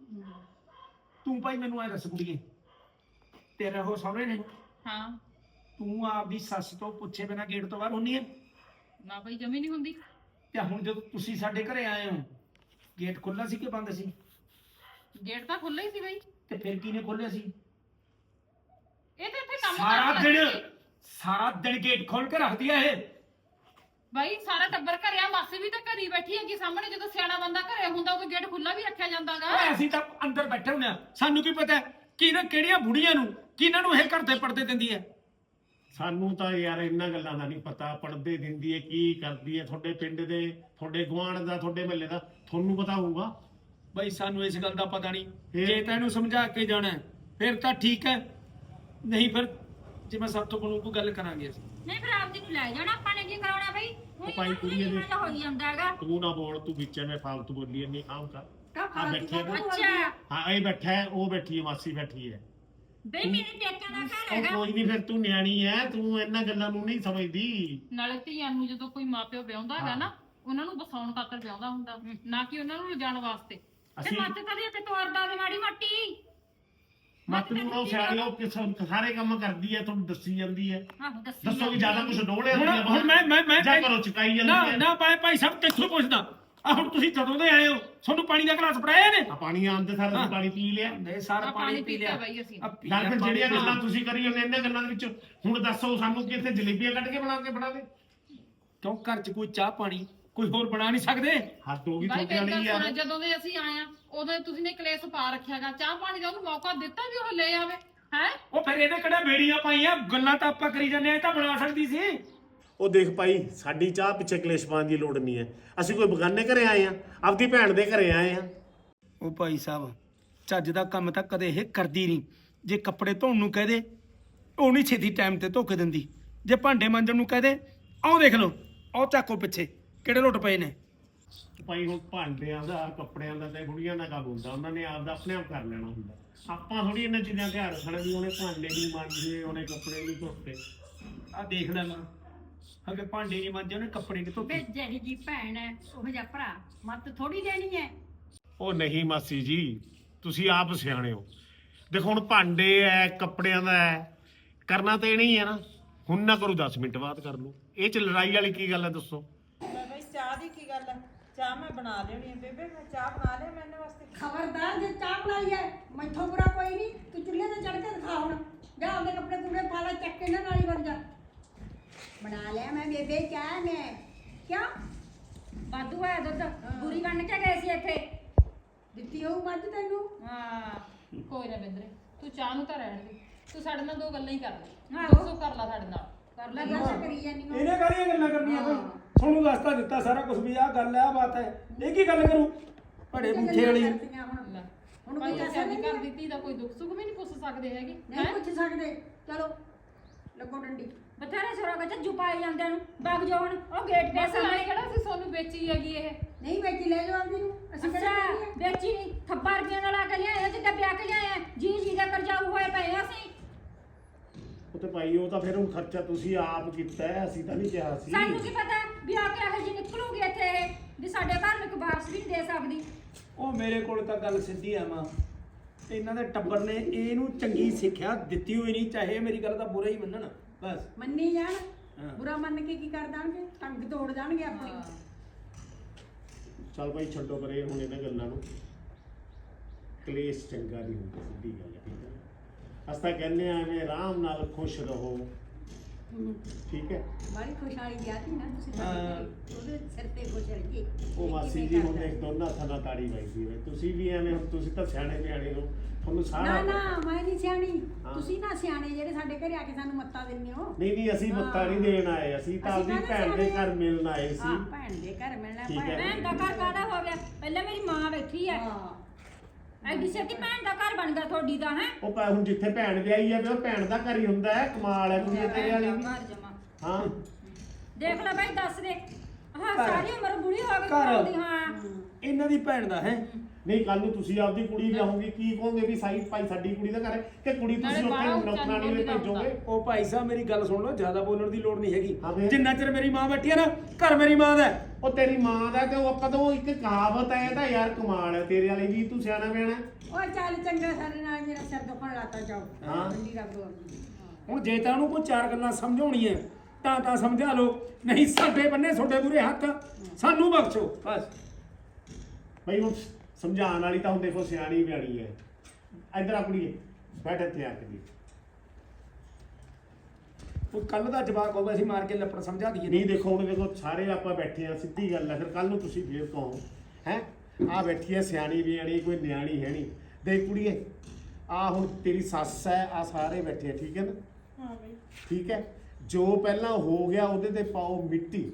D: ਤੂੰ ਭਾਈ ਮੈਨੂੰ ਐ ਦੱਸ ਕੁੜੀਏ, ਤੇਰਾ ਉਹ ਸਹੁਰੇ ਨੇ,
C: ਹਾਂ
D: ਤੂੰ ਆਪਦੀ ਸੱਸ ਤੋਂ ਪੁੱਛੇ ਬਿਨਾ ਗੇਟ ਤੋਂ ਬਾਹਰ ਹੁੰਨੀ ਐ?
C: ਨਾ ਭਾਈ ਜਮੀ ਨਹੀਂ ਹੁੰਦੀ।
D: ਤੇ ਹੁਣ ਜਦੋਂ ਤੁਸੀਂ ਸਾਡੇ ਘਰੇ ਆਏ ਹੋ, ਗੇਟ ਖੁੱਲਾ ਸੀ ਕਿ ਬੰਦ ਸੀ?
C: ਗੇਟ ਤਾਂ ਖੁੱਲ੍ਹਾ ਹੀ ਸੀ ਭਾਈ।
D: ਤੇ ਫਿਰ ਕਿਹਨੇ ਖੋਲਿਆ ਸੀ?
C: ਇਹ ਤਾਂ ਇੱਥੇ ਕੰਮ
D: ਸਾਰਾ
C: ਕਰਦੀ
D: ਦਿਨ
C: ਸੀ।
D: ਸਾਰਾ ਦਿਨ ਗੇਟ ਖੋਲ ਕੇ ਰੱਖਦੀ ਐ ਇਹ।
C: ਭਾਈ ਸਾਰਾ ਟੱਬਰ ਘਰੇ ਆ, ਮਾਸੀ ਵੀ ਤਾਂ ਘਰੀ ਬੈਠੀ ਹੈਗੀ ਸਾਹਮਣੇ। ਜਦੋਂ ਸਿਆਣਾ ਬੰਦਾ ਘਰੇ ਹੁੰਦਾ ਉਦੋਂ ਗੇਟ ਖੁੱਲਾ ਵੀ ਰੱਖਿਆ ਜਾਂਦਾਗਾ।
D: ਓਏ ਅਸੀਂ ਤਾਂ ਅੰਦਰ ਬੈਠੇ ਹੁੰਦੇ ਆ, ਸਾਨੂੰ ਕੀ ਪਤਾ ਕਿਹਨਾਂ ਕਿਹੜੀਆਂ ਬੁੜੀਆਂ ਨੂੰ ਕਿਹਨਾਂ ਨੂੰ ਇਹ ਘਰ ਦੇ ਪਰਦੇ ਦਿੰਦੀ ਐ।
A: ਸਾਨੂੰ ਤਾਂ ਯਾਰ ਇਹਨਾਂ ਗੱਲਾਂ ਦਾ ਨਹੀਂ ਪਤਾ, ਪੜਦੇ ਦਿੰਦੀ ਹੈ ਕੀ ਕਰਦੀ ਹੈ, ਤੁਹਾਡੇ ਪਿੰਡ ਦੇ, ਤੁਹਾਡੇ ਗੁਆਂਢ ਦਾ, ਤੁਹਾਡੇ ਮਹੱਲੇ ਦਾ ਤੁਹਾਨੂੰ ਪਤਾ ਹੋਊਗਾ।
D: ਬਈ ਸਾਨੂੰ ਇਸ ਗੱਲ ਦਾ ਪਤਾ ਨਹੀਂ।
A: ਫਿਰ?
D: ਜੇ ਤੈਨੂੰ ਸਮਝਾ ਕੇ ਜਾਣਾ ਹੈ, ਫਿਰ ਤਾਂ ਠੀਕ ਹੈ, ਨਹੀਂ ਫਿਰ ਜਿਵੇਂ ਸਭ ਤੋਂ ਬਣੂ ਕੋਈ ਗੱਲ ਕਰਾਂਗੇ ਅਸੀਂ।
E: ਨਹੀਂ ਫਿਰ ਆਪਦੀ ਨੂੰ ਲੈ ਜਾਣਾ, ਆਪਾਂ ਨੇ ਕੀ ਕਰਾਉਣਾ ਬਈ?
A: ਉਹ ਭਾਈ ਕੁੜੀਏ ਦੇ
E: ਹੋ ਜਾਂਦਾ ਹੈਗਾ।
A: ਤੂੰ ਨਾ ਬੋਲ, ਤੂੰ ਵਿੱਚ ਐਵੇਂ ਫਾਲਤੂ ਬੋਲੀ ਨਹੀਂ ਆਮ ਕਰ।
F: ਕਾ
A: ਆ ਬੈਠੇ ਆ ਨਾ।
E: ਅੱਛਾ
A: ਹਾਂ ਇਹ ਬੈਠਾ ਹੈ, ਉਹ ਬੈਠੀ ਹੈ, ਮਾਸੀ ਬੈਠੀ ਹੈ।
E: ਬਈ ਮੇਰੇ ਪੇਕਿਆਂ ਦਾ ਘਰ
A: ਉਹ
E: ਹੈਗਾ।
A: ਕੋਈ ਨਹੀਂ, ਫਿਰ ਤੂੰ ਨਿਆਣੀ ਹੈ, ਤੂੰ ਇਹਨਾਂ ਗੱਲਾਂ ਨੂੰ ਨਹੀਂ ਸਮਝਦੀ।
C: ਨਾਲੇ ਧੀਆਂ ਨੂੰ ਜਦੋਂ ਕੋਈ ਮਾਪਿਓ ਵਿਆਹੁੰਦਾ ਹੈਗਾ ਨਾ, ਉਹਨਾਂ ਨੂੰ ਬਸਾਉਣ ਖਾਤਰ ਵਿਆਹੁੰਦਾ ਹੁੰਦਾ, ਨਾ ਕਿ ਉਹਨਾਂ ਨੂੰ ਲਿਜਾਣ ਵਾਸਤੇ।
E: ਤੇ
A: ਅਸੀਂ
E: ਮੱਤ ਕਦੇ ਤੇ ਤੋਰਦਾ ਦੇ ਮਾੜੀ ਮੱਟੀ।
A: ਮਤ ਨੂੰ ਉਹ ਸਿਆਣੀ, ਉਹ ਕਿਸ- ਸਾਰੇ ਕੰਮ ਕਰਦੀ ਹੈ, ਤੁਹਾਨੂੰ ਦੱਸੀ ਜਾਂਦੀ ਹੈ।
E: ਆਹੋ ਦੱਸੀ
A: ਦੱਸੋ ਵੀ ਜ਼ਿਆਦਾ ਕੁਝ ਡੋਲੇ
D: ਹੁਣ ਹੁਣ ਮੈਂ ਮੈਂ ਮੈਂ
A: ਜਾ ਕਰੋ ਚੁਕਾਈ
D: ਨਾ
A: ਜਾਂਦੀ ਹੈ।
D: ਨਾ ਭਾਈ ਭਾਈ ਸਭ ਕਿੱਥੋਂ ਪੁੱਛਦਾ? ਆ ਹੁਣ ਤੁਸੀਂ ਜਦੋਂ ਦੇ ਆਏ ਹੋ, ਤੁਹਾਨੂੰ ਪਾਣੀ ਦਾ ਗਲਾਸ ਫੜਾਇਆ ਨੇ?
A: ਆ ਪਾਣੀ ਆਂਦੇ ਸਾਰ ਅਸੀਂ ਪਾਣੀ ਪੀ ਲਿਆ।
D: ਨਹੀਂ ਸਾਰਾ
C: ਆਹ
D: ਪਾਣੀ
C: ਪਾਣੀ
D: ਪੀ
C: ਪੀਤਾ
D: ਲਿਆ
C: ਬਾਈ ਅਸੀਂ।
D: ਆ ਪੀ
A: ਨਾਲ
D: ਲਿਆ
A: ਫਿਰ
D: ਪਾਣੀ,
A: ਜਿਹੜੀਆਂ
D: ਪੀ ਲਿਆ।
A: ਗੱਲਾਂ ਤੁਸੀਂ ਕਰੀ ਜਾਂਦੇ ਇਹਨਾਂ ਗੱਲਾਂ ਦੇ ਵਿੱਚ ਹੁਣ ਦੱਸੋ ਸਾਨੂੰ ਕਿ ਇੱਥੇ ਜਲੇਬੀਆਂ ਕੱਢ ਕੇ ਬਣਾ ਕੇ ਫੜਾਵੇ।
D: ਕਿਉਂ ਘਰ 'ਚ ਕੋਈ ਚਾਹ ਪਾਣੀ ਕੋਈ ਹੋਰ ਬਣਾ ਨਹੀਂ ਸਕਦੇ?
A: ਹੱਦ ਹੋ ਗਈ
C: ਭਾਈ
A: ਤੁਹਾਡੇ
C: ਮੇਰੀ
A: ਵਾਲੀ
C: ਗੱਲ ਸੁਣੋ,
A: ਯਾਰ।
C: ਜਦੋਂ ਦੇ ਅਸੀਂ ਆਏ ਆ ਉਦੋਂ ਤੁਸੀਂ ਨੇ ਕਲੇਸ਼ ਪਾ ਰੱਖਿਆਗਾ। ਚਾਹ ਪਾਣੀ ਦਾ ਉਹਨੂੰ ਮੌਕਾ ਦਿੱਤਾ ਵੀ ਉਹ ਲੈ ਆਵੇ ਹੈ।
D: ਉਹ ਫਿਰ ਇਹਨੇ ਕਿਹੜਾ ਬੇੜੀਆਂ ਪਾਈਆਂ? ਗੱਲਾਂ ਤਾਂ ਆਪਾਂ ਕਰੀ ਜਾਂਦੇ ਆ, ਇਹ ਤਾਂ ਬਣਾ ਸਕਦੀ ਸੀ।
A: ਉਹ ਦੇਖ ਭਾਈ, ਸਾਡੀ ਚਾਹ ਪਿੱਛੇ ਕਲੇਸ਼ ਪਾਉਣ ਦੀ ਲੋੜ ਨਹੀਂ ਹੈ। ਅਸੀਂ ਕੋਈ ਬਗਾਨੇ ਘਰੇ ਆਏ ਆ, ਆਪਦੀ ਭੈਣ ਦੇ ਘਰੇ ਆਏ ਆ।
D: ਉਹ ਭਾਈ ਸਾਹਿਬ, ਚੱਜ ਦਾ ਕੰਮ ਤਾਂ ਕਦੇ ਇਹ ਕਰਦੀ ਨਹੀਂ। ਜੇ ਕੱਪੜੇ ਧੋਣ ਨੂੰ ਕਹਦੇ, ਉਹ ਨਹੀਂ ਛੇਤੀ ਟਾਈਮ ਤੇ ਧੋ ਕੇ ਦਿੰਦੀ। ਜੇ ਭਾਂਡੇ ਮਾਂਜਣ ਨੂੰ ਕਹਦੇ, ਆਹ ਦੇਖ ਲਓ, ਆਹ ਚੱਕੋ ਪਿੱਛੇ ਕਿਹੜੇ ਲੁੱਟ ਪਏ ਨੇ।
A: ਭਾਈ ਹੁਣ ਭਾਂਡਿਆਂ ਦਾ, ਕੱਪੜਿਆਂ ਦਾ ਤੇ ਬੁੜੀਆਂ ਦਾ ਕੰਮ ਹੁੰਦਾ, ਉਹਨਾਂ ਨੇ ਆਪਦਾ ਆਪਣੇ ਆਪ ਕਰ ਲੈਣਾ ਹੁੰਦਾ। ਆਪਾਂ ਥੋੜੀ ਇਹਨਾਂ ਚੀਜ਼ਾਂ ਧਿਆਨ ਰੱਖਣਾ ਵੀ ਉਹਨੇ ਭਾਂਡੇ ਨਹੀਂ ਮਾਂਜੇ, ਉਹਨੇ ਕੱਪੜੇ ਨਹੀਂ ਧੋਤੇ।
D: ਆਹ ਦੇਖ ਲੈ ਮਾਂ, ਅਗੇ ਭਾਂਡੇ ਨਹੀਂ ਮਾਂਜੇ, ਉਹਨੇ ਕੱਪੜੇ ਨਹੀਂ ਧੋਤੇ।
F: ਵੇ ਜਿਹੜੀ ਜੀ ਭੈਣ ਹੈ ਉਹ ਜਿਹਾ ਭਰਾ ਮੱਤ ਥੋੜੀ ਦੇਣੀ ਹੈ।
A: ਉਹ ਨਹੀਂ ਮਾਸੀ ਜੀ, ਤੁਸੀਂ ਆਪ ਸਿਆਣੇ ਹੋ। ਦੇਖੋ ਹੁਣ ਭਾਂਡੇ ਐ, ਕੱਪੜਿਆਂ ਦਾ ਐ, ਕਰਨਾ ਤੇ ਨਹੀਂ ਹੈ ਨਾ। ਹੁਣ ਨਾ ਕਰੋ, ਦਸ ਮਿੰਟ ਬਾਅਦ ਕਰ ਲਓ। ਇਹ ਚ ਲੜਾਈ ਵਾਲੀ ਕੀ ਗੱਲ ਹੈ ਦੱਸੋ?
G: ਬਈ ਚਾਹ ਦੀ ਕੀ ਗੱਲ ਹੈ? ਚਾਹ ਮੈਂ ਬਣਾ ਲੈਣੀ ਹੈ ਬੇਬੇ, ਮੈਂ ਚਾਹ ਬਣਾ ਲਿਆ ਮੈਂ ਇਹਨਾਂ ਵਾਸਤੇ।
F: ਖਬਰਦਾਰ ਜੇ ਚਾਹ ਬਣਾਈ ਹੈ ਮੈਥੋਂ ਬੁਰਾ ਕੋਈ ਨਹੀਂ। ਤੂੰ ਚੁੱਲ੍ਹੇ ਤੇ ਚੜ ਕੇ ਦਿਖਾ ਹੁਣ। ਜਾ ਆਪਦੇ ਕੱਪੜੇ ਕੁਪੜੇ ਪਾ ਲੈ, ਚੱਕ ਕੇ ਇਹਨਾਂ ਨਾਲ ਹੀ ਬਣ ਜਾ। ਬਣਾ ਲਿਆ ਮੈਂ ਬੇਬੇ ਚਾਹ ਮੈਂ। ਕਿਉਂ
E: ਵਾਧੂ ਹੈ ਦੁੱਧ, ਪੂਰੀ ਬਣ ਕੇ ਗਏ ਸੀ ਇੱਥੇ।
F: ਦਿੱਤੀ ਹੋਊ ਮੱਝ ਤੈਨੂੰ?
C: ਹਾਂ ਕੋਈ ਨਾ ਬਿੰਦਰੇ, ਤੂੰ ਚਾਹ ਨੂੰ ਤਾਂ ਰਹਿਣ ਦੇ। ਤੂੰ ਸਾਡੇ ਨਾਲ ਦੋ ਗੱਲਾਂ ਹੀ ਕਰ ਲੈ।
E: ਆਹੋ।
C: ਦੱਸੋ ਕਰ ਲੈ ਸਾਡੇ ਨਾਲ।
F: ਕਰ ਲੈ ਦੱਸ ਕਰੀ ਜਾਨੀ ਹੋ।
D: ਇਹਨੇ ਕਾਹਦੀਆਂ ਗੱਲਾਂ ਕਰਨੀਆਂ? ਕੋਈ ਤੁਹਾਨੂੰ ਦੱਸਤਾ ਦਿੱਤਾ ਸਾਰਾ ਕੁਝ ਵੀ ਆਹ ਗੱਲ ਹੈ, ਆਹ ਬਾਤ ਹੈ। ਇਹ ਕੀ ਗੱਲ ਕਰੂ ਭੜੇ ਬੂਠੇ ਵਾਲੀ?
F: ਕਰਤੀਆਂ ਹੁਣ
C: ਲੈ,
F: ਹੁਣ
C: ਭਾਈ
F: ਕੋਈ
C: ਅਸੀਂ
F: ਦੱਸਿਆ
C: ਆਪਣੀ
F: ਨਹੀਂ
C: ਘਰ ਦੀ ਧੀ ਦਾ ਕੋਈ ਦੁੱਖ ਸੁੱਖ ਵੀ ਨਹੀਂ ਪੁੱਛ ਸਕਦੇ ਹੈਗੇ।
F: ਨਹੀਂ
C: ਹੈਂ?
F: ਪੁੱਛ ਸਕਦੇ। ਚਲੋ ਲੱਗੋ ਡੰਡੀ।
E: ਬਥੇਰੇ ਸਿਰਾਂ ਵਿੱਚ ਜੁ ਪਾਈ ਜਾਂਦੇ ਨੂੰ ਵਗ ਜਾਓ ਹੁਣ। ਉਹ ਗੇਟ ਤੇ
C: ਬਸ ਆਏ
E: ਸਾਹਮਣੇ।
C: ਕਿਹੜਾ ਸੀ ਸੋਨੂੰ ਵੇਚੀ ਹੈਗੀ ਇਹ।
F: ਨਹੀਂ ਵੇਚੀ ਲੈ ਜਾਓ ਆਪਦੀ ਨੂੰ। ਅਸੀਂ
E: ਅੱਛਾ
F: ਕਿਹੜਾ ਲੈਣੀ ਹੈ?
E: ਵੇਚੀ ਨਹੀਂ, ਥੱਬਾ ਰੁਪਈਆ ਨਾਲ ਆ ਕੇ ਲਿਆਏ, ਜਿੱਦਾਂ ਵਿਆਹ ਕੇ ਲਿਆਏ, ਜੀ ਜੀ ਦਾ ਕਰਜਾਊ ਹੋਏ ਪਏ ਆ ਅਸੀਂ।
A: ਉਹ ਤੇ ਭਾਈ ਉਹ ਤਾਂ ਫਿਰ ਹੁਣ ਖਰਚਾ ਤੁਸੀਂ ਆਪ ਕੀਤਾ ਹੈ, ਅਸੀਂ ਤਾਂ ਨਹੀਂ ਕਿਹਾ ਸੀ।
E: ਸਾਨੂੰ ਕੀ ਪਤਾ ਵੀ ਆ ਕੇ ਇਹੋ ਜਿਹੀ ਨਿਕਲੂਗੀ ਇੱਥੇ ਇਹ, ਵੀ ਸਾਡੇ ਘਰ ਨੂੰ ਇੱਕ ਵਾਰਸ ਵੀ ਨਹੀਂ ਦੇ ਸਕਦੀ।
D: ਉਹ ਮੇਰੇ ਕੋਲ ਤਾਂ ਗੱਲ ਸਿੱਧੀ ਆ ਮਾਂ। ਇਹਨਾਂ ਦੇ ਟੱਬਰ ਨੇ ਇਹਨੂੰ ਚੰਗੀ ਸਿੱਖਿਆ ਦਿੱਤੀ ਹੋਈ ਨਹੀਂ, ਚਾਹੇ ਮੇਰੀ ਗੱਲ ਦਾ ਬੁਰਾ ਹੀ ਮੰਨਣ ਬਸ।
F: ਮੰਨੀ ਜਾਣ।
D: ਹਾਂ।
F: ਬੁਰਾ ਮੰਨ ਕੇ ਕੀ ਕਰ ਦਾਂਗੇ? ਟੰਗ ਤੋੜ ਜਾਣਗੇ ਆਪਣੀ।
A: ਚੱਲ ਭਾਈ ਛੱਡੋ ਪਰੇ ਹੁਣ ਇਹਨਾਂ ਗੱਲਾਂ ਨੂੰ। ਕਲੇਸ਼ ਚੰਗਾ ਨਹੀਂ ਹੁੰਦਾ, ਸਿੱਧੀ ਗੱਲ ਹੈ, ਠੀਕ ਹੈ ਨਾ? ਅਸੀਂ ਤਾਂ ਕਹਿੰਦੇ ਆ ਐਵੇਂ ਆਰਾਮ ਨਾਲ ਖੁਸ਼ ਰਹੋ, ਠੀਕ ਹੈ।
F: ਬੜੀ ਖੁਸ਼ਹਾਲੀ ਵਿਆਹ ਸੀ ਨਾ ਤੁਸੀਂ
D: ਹਾਂ।
F: ਸਾਡੇ ਘਰੇ। ਉਹਦੇ ਸਿਰ ਤੇ ਖੁਸ਼ ਰਹੀਏ
A: ਉਹ ਮਾਸੀ ਜੀ ਹੁਣ ਦੇਖ ਦੋਨਾਂ ਥਾਂ ਤਾੜੀ ਵੱਜਦੀ ਹੈ, ਤੁਸੀਂ ਵੀ ਐਵੇਂ ਹੁਣ ਤੁਸੀਂ ਤਾਂ ਸਿਆਣੇ ਬਿਆਣੇ ਹੋ, ਤੁਹਾਨੂੰ
F: ਨਾ
A: ਸਾਰਾ
F: ਨਾ ਮੈਂ ਨਹੀਂ ਸਿਆਣੀ
A: ਹਾਂ।
F: ਤੁਸੀਂ ਨਾ ਸਿਆਣੇ ਜਿਹੜੇ ਸਾਡੇ ਘਰੇ ਆ ਕੇ ਸਾਨੂੰ ਮੱਤਾ ਦਿੰਦੇ ਹੋ।
A: ਨਹੀਂ ਨਹੀਂ ਅਸੀਂ ਮੱਤਾ ਨਹੀਂ ਦੇਣ ਆਏ, ਅਸੀਂ ਤਾਂ
F: ਅਸੀਂ
A: ਆਪਣੀ
F: ਕਾਹਦੇ
A: ਭੈਣ ਦੇ
F: ਸਿਆਣੇ
A: ਘਰ ਮਿਲਣ ਆਏ
F: ਹਾਂ
A: ਸੀ।
F: ਭੈਣ ਦੇ ਘਰ ਮਿਲਣਾ
A: ਠੀਕ ਹੈ।
E: ਭੈਣ ਦਾ ਘਰ ਕਾਹਦਾ ਹੋ ਗਿਆ? ਪਹਿਲਾਂ ਮੇਰੀ ਮਾਂ ਬੈਠੀ ਐ,
F: ਹਾਂ
E: ਐਡੀ ਛੇਤੀ ਭੈਣ ਦਾ ਘਰ ਬਣ ਗਿਆ ਤੁਹਾਡੀ ਦਾ, ਹੈ
A: ਉਹ ਪਾ ਹੁਣ ਜਿੱਥੇ ਭੈਣ ਵਿਆਹੀ ਹੈ ਵੀ ਉਹ ਭੈਣ ਦਾ ਘਰ ਹੀ ਹੁੰਦਾ ਹੈ, ਕਮਾਲ ਹੈ ਕੁੜੀ ਤੇਰੇ ਵਾਲੀ ਵੀ।
E: ਘਰ ਜਮਾ
A: ਹਾਂ
E: ਦੇਖ ਲੈ ਬਾਈ, ਦੱਸ ਦੇ ਹਾਂ
D: ਘਰ।
E: ਸਾਰੀ ਉਮਰ ਬੁੜੀ ਹੋ ਗਈ
D: ਘਰ।
E: ਬੋਲਦੀ, ਹਾਂ
D: ਇਹਨਾਂ ਦੀ ਭੈਣ ਦਾ ਹੈ।
A: ਨਹੀਂ ਕੱਲ ਨੂੰ ਤੁਸੀਂ ਆਪਦੀ ਕੁੜੀ ਵਿਆਹੋਗੇ ਕੀ ਕਹੋਗੇ ਵੀ ਸਾਈ ਭਾਈ ਸਾਡੀ ਕੁੜੀ ਦਾ ਘਰ ਹੈ ਕਿ ਕੁੜੀ ਤੁਸੀਂ
C: ਨਾਲੇ ਬਾਹਰੋਂ
A: ਉੱਥੇ ਨੌਕਰਾਨੀ ਦੇ
C: ਚੰਦ
A: ਭੇਜੋਗੇ?
D: ਉਹ ਭਾਈ ਸਾਹਿਬ ਮੇਰੀ ਗੱਲ ਸੁਣ ਲਓ, ਜ਼ਿਆਦਾ ਬੋਲਣ ਦੀ ਲੋੜ ਨਹੀਂ
A: ਹਾਂ
D: ਹੈਗੀ।
A: ਫਿਰ?
D: ਜਿੰਨਾ ਚਿਰ ਮੇਰੀ ਮਾਂ ਬੈਠੀ ਹੈ ਨਾ, ਘਰ ਮੇਰੀ ਮਾਂ ਦਾ ਹੈ।
A: ਉਹ ਤੇਰੀ ਮਾਂ ਦਾ ਤੇ ਉਹ ਆਪਾਂ ਤਾਂ ਉਹ ਇੱਕ ਕਹਾਵਤ ਹੈ, ਇਹ ਤਾਂ ਯਾਰ ਕਮਾਲ ਹੈ ਤੇਰੇ ਵਾਲੀ ਵੀ, ਤੂੰ ਸਿਆਣਾ ਬਿਆਣਾ।
F: ਉਹ ਚੱਲ ਚੰਗਾ ਸਾਡੇ ਨਾਲ ਮੇਰਾ ਸਿਰ ਦੁਖਣ ਲਾਤਾ ਜਾਓ
A: ਹਾਂ।
F: ਠੰਡੀ ਰੱਬ ਵਰਗੀ।
D: ਹੁਣ ਜੇ ਤਾਂ ਉਹਨੂੰ ਕੋਈ ਚਾਰ ਗੱਲਾਂ ਸਮਝਾਉਣੀਆਂ ਤਾਂ ਤਾਂ ਸਮਝਾ ਲਓ, ਨਹੀਂ ਸਾਡੇ ਬੰਨੇ ਤੁਹਾਡੇ ਮੂਹਰੇ ਹੱਥ, ਸਾਨੂੰ ਬਖਸ਼ੋ ਬਸ।
A: ਬਈ ਉਹ ਸਮਝਾਉਣ ਵਾਲੀ ਤਾਂ ਹੁਣ ਦੇਖੋ ਸਿਆਣੀ ਬਿਆਣੀ ਹੈ। ਇੱਧਰ ਆ ਕੁੜੀਏ, ਬੈਠ ਇੱਥੇ ਆ ਕੇ ਦੇਖ।
D: ਉਹ ਕੱਲ ਦਾ ਜਵਾਕ ਹੋਵੇ ਅਸੀਂ ਮਾਰ ਕੇ ਲੱਪੜ ਸਮਝਾ ਦਈਏ।
A: ਨਹੀਂ ਦੇਖੋ ਹੁਣ ਦੇਖੋ ਸਾਰੇ ਆਪਾਂ ਬੈਠੇ ਆ, ਸਿੱਧੀ ਗੱਲ ਹੈ, ਫਿਰ ਕੱਲ ਨੂੰ ਤੁਸੀਂ ਫੇਰ ਕਹੋ ਹੈ ਆ ਬੈਠੀ ਹੈ ਸਿਆਣੀ ਬਿਆਣੀ, ਕੋਈ ਨਿਆਣੀ ਹੈ ਨਹੀਂ। ਦੇਖ ਕੁੜੀਏ, ਆ ਹੁਣ ਤੇਰੀ ਸੱਸ ਹੈ, ਆ ਸਾਰੇ ਬੈਠੇ ਆ, ਠੀਕ ਹੈ ਨਾ?
G: ਹਾਂ ਬਈ
A: ਠੀਕ ਹੈ। ਜੋ ਪਹਿਲਾਂ ਹੋ ਗਿਆ ਉਹਦੇ ਤੇ ਪਾਓ ਮਿੱਟੀ,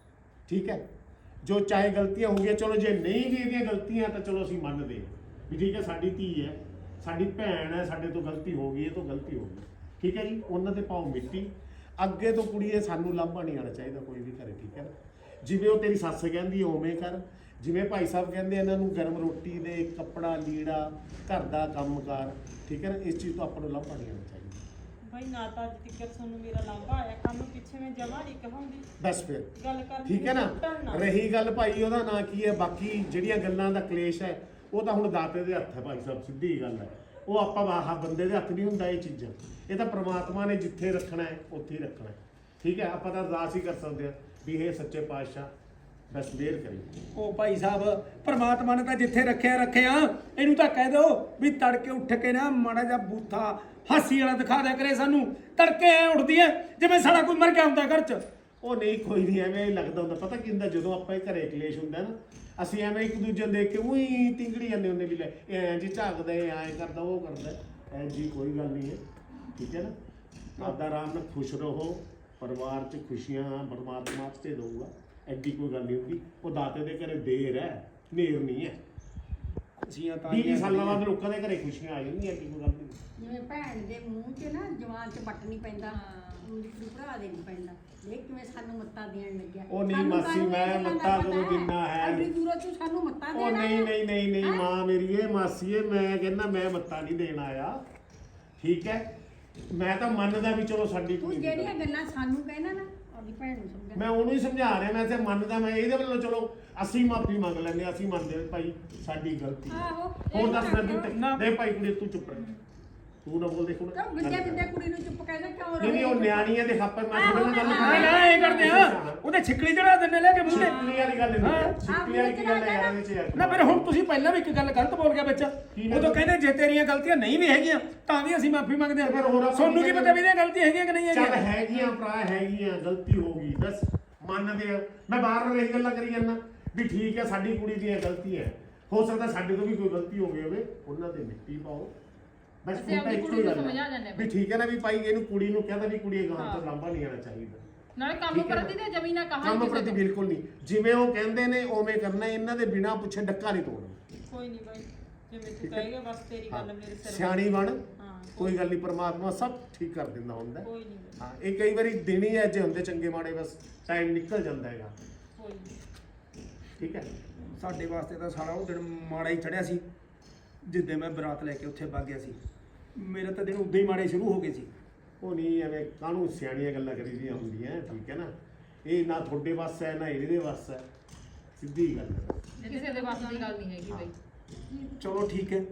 A: ਠੀਕ ਹੈ। ਜੋ ਚਾਹੇ ਗਲਤੀਆਂ ਹੋ ਗਈਆਂ, ਚਲੋ ਜੇ ਨਹੀਂ ਵੀ ਇਹਦੀਆਂ ਗਲਤੀਆਂ ਤਾਂ ਚਲੋ ਅਸੀਂ ਮੰਨਦੇ ਹਾਂ ਵੀ ਠੀਕ ਹੈ, ਸਾਡੀ ਧੀ ਹੈ, ਸਾਡੀ ਭੈਣ ਹੈ, ਸਾਡੇ ਤੋਂ ਗਲਤੀ ਹੋ ਗਈ, ਇਹ ਤੋਂ ਗਲਤੀ ਹੋ ਗਈ, ਠੀਕ ਹੈ ਜੀ। ਉਹਨਾਂ ਤੇ ਪਾਓ ਮਿੱਟੀ। ਅੱਗੇ ਤੋਂ ਕੁੜੀਏ ਸਾਨੂੰ ਲਾਂਭਾ ਨਹੀਂ ਆਉਣਾ ਚਾਹੀਦਾ ਕੋਈ ਵੀ ਘਰੇ, ਠੀਕ ਹੈ ਨਾ? ਜਿਵੇਂ ਉਹ ਤੇਰੀ ਸੱਸ ਕਹਿੰਦੀ ਹੈ ਉਵੇਂ ਕਰ, ਜਿਵੇਂ ਭਾਈ ਸਾਹਿਬ ਕਹਿੰਦੇ ਇਹਨਾਂ ਨੂੰ ਗਰਮ ਰੋਟੀ ਦੇ, ਕੱਪੜਾ ਲੀੜਾ, ਘਰ ਦਾ ਕੰਮਕਾਰ, ਠੀਕ ਹੈ ਨਾ? ਇਸ ਚੀਜ਼ ਤੋਂ ਆਪਾਂ ਨੂੰ ਲਾਂਭਾ ਨਹੀਂ ਆਉਣਾ ਚਾਹੀਦਾ।
G: ਬਈ ਨਾ ਤਾਂ ਅੱਜ ਤੱਕ ਤੁਹਾਨੂੰ ਮੇਰਾ ਲਾਂਭਾ ਆਇਆ, ਕੰਮ ਪਿੱਛੇ ਮੈਂ ਜਮਾ ਨਹੀਂ ਕਹਾਂਗੀ
A: ਬਸ ਫਿਰ
G: ਗੱਲ ਕਰ।
A: ਠੀਕ ਹੈ ਨਾ? ਰਹੀ ਗੱਲ ਭਾਈ ਉਹਦਾ ਨਾਂ ਕੀ ਹੈ, ਬਾਕੀ ਜਿਹੜੀਆਂ ਗੱਲਾਂ ਦਾ ਕਲੇਸ਼ ਹੈ ਉਹ ਤਾਂ ਹੁਣ ਦਾਤੇ ਦੇ ਹੱਥ ਹੈ ਭਾਈ ਸਾਹਿਬ, ਸਿੱਧੀ ਗੱਲ ਹੈ। ਉਹ ਆਪਾਂ ਆਹ ਬੰਦੇ ਦੇ ਹੱਥ ਨਹੀਂ ਹੁੰਦਾ ਇਹ ਚੀਜ਼ਾਂ, ਇਹ ਤਾਂ ਪ੍ਰਮਾਤਮਾ ਨੇ ਜਿੱਥੇ ਰੱਖਣਾ ਹੈ ਉੱਥੇ ਹੀ ਰੱਖਣਾ ਹੈ, ਠੀਕ ਹੈ। ਆਪਾਂ ਤਾਂ ਅਰਦਾਸ ਹੀ ਕਰ ਸਕਦੇ ਹਾਂ ਵੀ ਇਹ ਸੱਚੇ ਪਾਤਸ਼ਾਹ ਬਸ ਮਿਹਰ ਕਰੀ।
D: ਉਹ ਭਾਈ ਸਾਹਿਬ ਪ੍ਰਮਾਤਮਾ ਨੇ ਤਾਂ ਜਿੱਥੇ ਰੱਖਿਆ ਰੱਖਿਆ, ਇਹਨੂੰ ਤਾਂ ਕਹਿ ਦਿਓ ਵੀ ਤੜਕੇ ਉੱਠ ਕੇ ਨਾ ਮਾੜਾ ਜਿਹਾ ਬੂਥਾ ਹਾਸੀ ਵਾਲਾ ਦਿਖਾ ਦਿਆ ਕਰੇ ਸਾਨੂੰ। ਤੜਕੇ ਐ ਉੱਠਦੀ ਐ ਜਿਵੇਂ ਸਾਡਾ ਕੋਈ ਮਰ ਗਿਆ ਹੁੰਦਾ ਘਰ 'ਚ।
A: ਉਹ ਨਹੀਂ ਕੋਈ ਨਹੀਂ, ਐਵੇਂ ਹੀ ਲੱਗਦਾ ਹੁੰਦਾ। ਪਤਾ ਕੀ ਹੁੰਦਾ, ਜਦੋਂ ਆਪਾਂ ਇਹ ਘਰੇ ਕਲੇਸ਼ ਹੁੰਦਾ ਨਾ, ਅਸੀਂ ਐਵੇਂ ਇੱਕ ਦੂਜੇ ਨੂੰ ਦੇਖ ਕੇ ਉਹੀ ਤਿੰਗੜੀ ਜਾਂਦੇ ਹੁੰਦੇ ਵੀ ਲੈ ਇਹ ਐਂ ਜੀ ਝਾਕਦਾ, ਇਹ ਐਂ ਕਰਦਾ, ਉਹ ਕਰਦਾ। ਐ ਜੀ ਕੋਈ ਗੱਲ ਨਹੀਂ ਹੈ, ਠੀਕ ਹੈ ਨਾ? ਆਪਦਾ ਆਰਾਮ ਨਾਲ ਖੁਸ਼ ਰਹੋ, ਪਰਿਵਾਰ 'ਚ ਖੁਸ਼ੀਆਂ ਪਰਮਾਤਮਾ ਤੇ ਦਊਗਾ, ਐਡੀ ਕੋਈ ਗੱਲ ਨਹੀਂ ਹੁੰਦੀ। ਉਹ ਦਾਤੇ ਦੇ ਘਰੇ ਦੇਰ ਹੈ, ਨੇਰ ਨਹੀਂ ਹੈ।
D: ਖੁਸ਼ੀਆਂ ਤਾਂ
A: ਵੀਹ ਸਾਲਾਂ ਬਾਅਦ ਲੋਕਾਂ ਦੇ ਘਰੇ ਖੁਸ਼ੀਆਂ ਆ ਜਾਂਦੀਆਂ, ਐਡੀ ਕੋਈ ਗੱਲ ਨਹੀਂ।
F: ਜਿਵੇਂ ਭੈਣ ਦੇ ਮੂੰਹ 'ਚ ਨਾ ਜਵਾਨ 'ਚ ਵੱਟ ਨਹੀਂ ਪੈਂਦਾ, ਉਂਝ ਭਰਾ ਦੇ ਨਹੀਂ ਪੈਂਦਾ। ਦੇਖ ਕਿਵੇਂ ਸਾਨੂੰ ਮੱਤਾ ਦੇਣ ਲੱਗਿਆ।
A: ਉਹ ਨਹੀਂ
F: ਸਾਨੂੰ
A: ਮਾਸੀ,
F: ਕਾਹਨੂੰ
A: ਮੈਂ
F: ਇਹ ਗੱਲਾਂ
A: ਮੱਤਾ
F: ਦਾ
A: ਕਦੋਂ
F: ਪਤਾ
A: ਦਿੰਦਾ ਹੈ?
F: ਐਡੀ ਦੂਰੋਂ ਤੂੰ ਸਾਨੂੰ ਮੱਤਾ
A: ਉਹ
F: ਦੇਣਾ
A: ਨਹੀਂ
F: ਹੈ?
A: ਨਹੀਂ ਨਹੀਂ ਨਹੀਂ
F: ਹੈਂ?
A: ਮਾਂ ਮੇਰੀ ਇਹ ਮਾਸੀਏ, ਮੈਂ ਕਹਿੰਦਾ ਮੈਂ ਮੱਤਾ ਨਹੀਂ ਦੇਣ ਆਇਆ, ਠੀਕ ਹੈ। ਮੈਂ ਤਾਂ ਮੰਨਦਾ ਵੀ ਚਲੋ ਸਾਡੀ
F: ਤੂੰ
A: ਕੁੜੀ ਦੀ
F: ਜਿਹੜੀਆਂ
A: ਗੱਲ।
F: ਗੱਲਾਂ ਸਾਨੂੰ ਕਹਿਣਾ ਨਾ ਆਪਣੀ ਭੈਣ ਨੂੰ ਸਮਝਾ।
A: ਮੈਂ ਉਹਨੂੰ ਹੀ ਸਮਝਾ ਰਿਹਾ, ਮੈਂ ਤੇ ਮੰਨਦਾ, ਮੈਂ ਇਹਦੇ ਵੱਲੋਂ ਚਲੋ ਅਸੀਂ ਮਾਫੀ ਮੰਗ ਲੈਂਦੇ ਹਾਂ, ਅਸੀਂ ਮੰਨਦੇ ਹਾਂ ਭਾਈ ਸਾਡੀ ਗਲਤੀ ਹੈ।
E: ਆਹੋ
A: ਹੋਰ ਦੱਸ ਮੈਂ ਤੂੰ
D: ਨਾ।
A: ਦੇ ਭਾਈ ਕੁੜੀ ਤੂੰ ਚੁੱਪ ਰਹਿ, ਤੂੰ ਨਾ ਬੋਲ ਦੇਖ ਹੁਣ।
F: ਤਾਂ ਵਿਦਿਆ ਵਿਦਿਆ ਕੁੜੀ ਨੂੰ ਚੁੱਪ ਕਹਿੰਦਾ ਕਿਉਂ
A: ਨਹੀਂ ਨਹੀਂ ਉਹ ਨਿਆਣੀ ਹੈ, ਦੇਖ ਆਪਾਂ ਮੈਂ ਥੋੜੇ ਨਾਲ ਗੱਲ
D: ਹਾਂ ਨਾ ਇਹ ਕਰਦੇ ਆ, ਉਹਦੇ ਛਿੱਕਲੀ ਚੜਾ ਦਿੰਦੇ ਲੈ ਕੇ ਮੂੰਹ ਤੇ।
A: ਸਿੱਕਲੀ ਵਾਲੀ ਗੱਲ ਨਹੀਂ ਹੈ, ਸਿੱਕਲੀ ਵਾਲੀ ਕੀ ਗੱਲ ਹੈ ਯਾਰ ਇਹਦੇ ਚ ਯਾਰ।
D: ਨਾ ਫਿਰ ਹੁਣ ਤੁਸੀਂ ਪਹਿਲਾਂ ਵੀ ਇੱਕ ਗੱਲ ਗਲਤ ਬੋਲ ਗਿਆ ਵਿੱਚ।
A: ਕੀ ਗੱਲ?
D: ਉਦੋਂ ਕਹਿੰਦੇ ਜੇ ਤੇਰੀਆਂ ਗਲਤੀਆਂ ਨਹੀਂ ਵੀ ਹੈਗੀਆਂ ਤਾਂ ਵੀ ਅਸੀਂ ਮਾਫੀ ਮੰਗਦੇ ਹਾਂ।
A: ਫਿਰ ਹੋਰ ਆਪਾਂ
D: ਤੁਹਾਨੂੰ ਕੀ
A: ਕੀ
D: ਪਤਾ ਵੀ ਇਹਦੀਆਂ ਗਲਤੀਆਂ ਹੈਗੀਆਂ ਕਿ ਨਹੀਂ
A: ਚੱਲ
D: ਹੈਗੀਆਂ?
A: ਹੈਗੀਆਂ ਭਰਾ, ਹੈਗੀਆਂ, ਗਲਤੀ ਹੋ ਗਈ, ਬਸ ਮੰਨਦੇ ਆ। ਮੈਂ ਬਾਰ ਬਾਰ ਇਹ ਗੱਲਾਂ ਕਰੀ ਜਾਂਦਾ ਵੀ ਠੀਕ ਹੈ ਸਾਡੀ ਕੁੜੀ ਦੀਆਂ ਗਲਤੀਆਂ ਹੈ, ਹੋ ਸਕਦਾ ਸਾਡੇ ਤੋਂ ਵੀ ਕੋਈ ਗਲਤੀ ਹੋ ਗਈ ਹੋਵੇ, ਉਹਨਾਂ ਤੇ ਮਿੱਟੀ ਪਾਓ ਬਸ।
C: ਅਸੀਂ
A: ਹੁਣ ਤਾਂ
C: ਆਪਣੀ
A: ਇੱਕੋ
C: ਕੁੜੀ
A: ਹੀ
C: ਨੂੰ
A: ਗੱਲ
C: ਸਮਝਾ
A: ਹੈ
C: ਜਾਂਦੇ
A: ਵੀ ਠੀਕ ਹੈ ਨਾ, ਵੀ ਭਾਈ ਇਹਨੂੰ ਕੁੜੀ ਨੂੰ ਕਹਿੰਦਾ ਵੀ ਕੁੜੀ ਗਾਂ ਤੋਂ ਲਾਂਭਾ ਨਹੀਂ ਆਉਣਾ ਚਾਹੀਦਾ।
C: ਨਾਲੇ ਕੰਮ
A: ਠੀਕ ਹੈ ਨਾ?
C: ਪ੍ਰਤੀ ਤੇ ਜ਼ਮੀਨਾਂ ਕਹਾਂ
A: ਕੰਮ ਪ੍ਰਤੀ ਬਿਲਕੁਲ ਨਹੀਂ, ਜਿਵੇਂ ਉਹ ਕਹਿੰਦੇ ਨੇ ਉਵੇਂ ਕਰਨਾ, ਇਹਨਾਂ ਦੇ ਬਿਨਾਂ ਪੁੱਛੇ ਡੱਕਾ ਨਹੀਂ ਤੋੜਨਾ।
G: ਕੋਈ ਨਹੀਂ ਬਾਈ, ਜਿਵੇਂ ਤੂੰ
A: ਠੀਕ ਹੈ।
G: ਕਹੇਗਾ ਬਸ ਤੇਰੀ ਗੱਲ ਮੇਰੇ ਸਿਰ
A: ਸਿਆਣੀ ਬਣ,
G: ਹਾਂ
A: ਕੋਈ ਗੱਲ ਨਹੀਂ, ਪਰਮਾਤਮਾ ਸਭ ਠੀਕ ਕਰ ਦਿੰਦਾ ਹੁੰਦਾ।
G: ਕੋਈ ਨਹੀਂ
A: ਹਾਂ ਇਹ ਕਈ ਵਾਰੀ ਦਿਨ ਹੀ ਐਜੇ ਹੁੰਦੇ ਚੰਗੇ ਮਾੜੇ, ਬਸ ਟਾਈਮ ਨਿਕਲ ਜਾਂਦਾ ਹੈਗਾ,
G: ਕੋਈ ਨਹੀਂ।
A: ਠੀਕ ਹੈ।
D: ਸਾਡੇ ਵਾਸਤੇ ਤਾਂ ਸਾਰਾ ਉਹ ਦਿਨ ਮਾੜਾ ਹੀ ਚੜਿਆ ਸੀ ਜਿੱਦੇ ਮੈਂ ਬਰਾਤ ਲੈ ਕੇ ਉੱਥੇ ਵਗ ਗਿਆ ਸੀ। ਮੇਰੇ ਤਾਂ ਦਿਨ ਉਦਾਂ ਹੀ ਮਾੜੇ ਸ਼ੁਰੂ ਹੋ ਗਏ ਸੀ।
A: ਉਹ ਨਹੀਂ ਐਵੇਂ ਕਾਹਨੂੰ ਸਿਆਣੀਆਂ ਗੱਲਾਂ ਕਰੀਦੀਆਂ ਹੁੰਦੀਆਂ, ਠੀਕ ਹੈ ਨਾ? ਇਹ ਨਾ ਤੁਹਾਡੇ ਵੱਸ ਹੈ ਨਾ ਇਹਦੇ ਵੱਸ ਹੈ, ਸਿੱਧੀ ਗੱਲ ਹੈ।
C: ਕਿਸੇ ਦੇ ਵੱਸ ਦੀ ਗੱਲ ਨਹੀਂ ਹੈਗੀ ਬਈ।
D: ਚਲੋ ਠੀਕ ਹੈ।